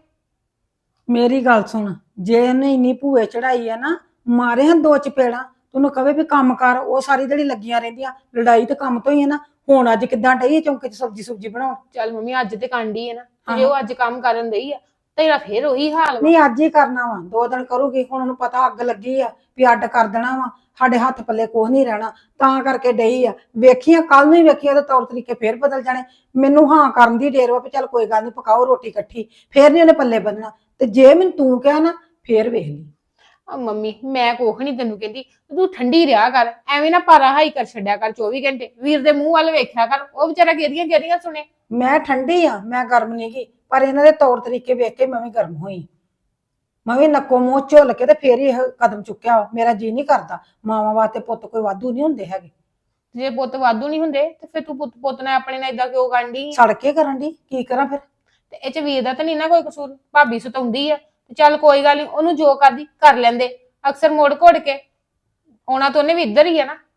ਮੇਰੀ ਗੱਲ ਸੁਣ, ਜੇ ਇਹਨੇ ਇੰਨੀ ਭੂਏ ਚੜਾਈ ਆ ਨਾ, ਮਾਰੇ ਹਨ ਦੋ ਚਪੇੜਾਂ, ਤੈਨੂੰ ਕਵੇ ਵੀ ਕੰਮ ਕਰ, ਉਹ ਸਾਰੀ ਜਿਹੜੀ ਲੱਗੀਆਂ ਰਹਿੰਦੀਆਂ। ਲੜਾਈ ਤੇ ਕੰਮ ਤੋਂ ਹੀ ਹੈ ਨਾ। ਹੁਣ ਅੱਜ ਕਿੱਦਾਂ ਡਈ ਚੌਂਕੇ 'ਚ ਸਬਜ਼ੀ ਸੁਬਜੀ ਬਣਾਉਣ? ਚੱਲ ਮੰਮੀ ਅੱਜ ਤੇ ਕਾਂਡੀ ਹੈ ਨਾ, ਜੇ ਉਹ ਅੱਜ ਕੰਮ ਕਰਨ ਦਈ ਆ ਤੇਰਾ ਫੇਰ ਉਹੀ ਹਾਲ ਵਾ। ਨਹੀਂ ਅੱਜ ਹੀ ਕਰਨਾ ਵਾ, ਦੋ ਦਿਨ ਕਰੂਗੀ। ਹੁਣ ਉਹਨੂੰ ਪਤਾ ਅੱਗ ਲੱਗੀ ਆ ਵੀ ਅੱਡ ਕਰ ਦੇਣਾ ਵਾ, ਸਾਡੇ ਹੱਥ ਪੱਲੇ ਕੁਛ ਨਹੀਂ ਰਹਿਣਾ, ਤਾਂ ਕਰਕੇ ਡਈ ਆ। ਵੇਖੀਆਂ ਕੱਲ ਨੂੰ ਹੀ ਵੇਖੀਆਂ ਤੇ ਤੌਰ ਤਰੀਕੇ ਫੇਰ ਬਦਲ ਜਾਣੇ। ਮੈਨੂੰ ਹਾਂ ਕਰਨ ਦੀ ਢੇਰ ਵਾ ਵੀ ਚੱਲ ਕੋਈ ਗੱਲ ਨਹੀਂ, ਪਕਾਓ ਰੋਟੀ ਇਕੱਠੀ, ਫੇਰ ਨਹੀਂ ਉਹਨੇ ਪੱਲੇ ਬੰਨਣਾ। ਤੇ ਜੇ ਮੈਨੂੰ ਤੂੰ ਕਿਹਾ ਨਾ ਫੇਰ ਵੇਖ ਲਈ। ਆ ਮੰਮੀ ਮੈਂ ਕੁਛ ਨਹੀਂ ਤੈਨੂੰ ਕਹਿੰਦੀ, ਤੂੰ ਠੰਡੀ ਰਿਹਾ ਕਰ। ਐਵੇਂ ਨਾ ਪਾਰਾ ਹਾਈ ਕਰ ਛੱਡਿਆ ਕਰ ਚੌਵੀ ਘੰਟੇ। ਵੀਰ ਦੇ ਮੂੰਹ ਵੱਲ ਵੇਖਿਆ ਕਰ, ਉਹ ਵਿਚਾਰਾ ਕਿਹਦੀਆਂ ਕਿਹਦੀਆਂ ਸੁਣੇ। ਮੈਂ ਠੰਡੀ ਆ, ਮੈਂ ਗਰਮ ਨਹੀਂ ਗੀ, ਪਰ ਇਹਨਾਂ ਦੇ ਤੌਰ ਤਰੀਕੇ ਵੇਖ ਕੇ ਮੈਂ ਵੀ ਗਰਮ ਹੋਈ। ਮੈਂ ਵੀ ਨੱਕੋ ਮੂੰਹ ਝੁੱਲ ਕੇ ਤੇ ਫੇਰ ਹੀ ਇਹ ਕਦਮ ਚੁੱਕਿਆ ਵਾ। ਮੇਰਾ ਜੀ ਨਹੀਂ ਕਰਦਾ। ਮਾਵਾਂ ਵਾਸਤੇ ਪੁੱਤ ਕੋਈ ਵਾਧੂ ਨਹੀਂ ਹੁੰਦੇ ਹੈਗੇ। ਜੇ ਪੁੱਤ ਵਾਧੂ ਨਹੀਂ ਹੁੰਦੇ ਤੇ ਫਿਰ ਤੂੰ ਪੁੱਤ ਪੁੱਤ ਨੇ ਆਪਣੇ ਨਾਲ ਇਦਾਂ ਕਿਉਂ ਕਰਦੀ? ਸੜ ਕੇ ਕਰਨ ਦੀ ਕੀ ਕਰਾਂ ਫਿਰ? ਤੇ ਇਹ ਚ ਵੀਰ ਦਾ ਤਾਂ ਨਹੀਂ ਨਾ ਕੋਈ ਕਸੂਰ। ਭਾਬੀ ਸਤਾਉਂਦੀ ਆ ਤੇ ਚੱਲ ਕੋਈ ਗੱਲ ਨਹੀਂ, ਉਹਨੂੰ ਜੋ ਕਰਦੀ ਕਰ ਲੈਂਦੇ। ਅਕਸਰ ਮੋੜ ਘੋੜ ਕੇ ਆਉਣਾ ਤਾਂ ਉਹਨੇ ਵੀ ਇੱਧਰ ਹੀ ਆ ਨਾ।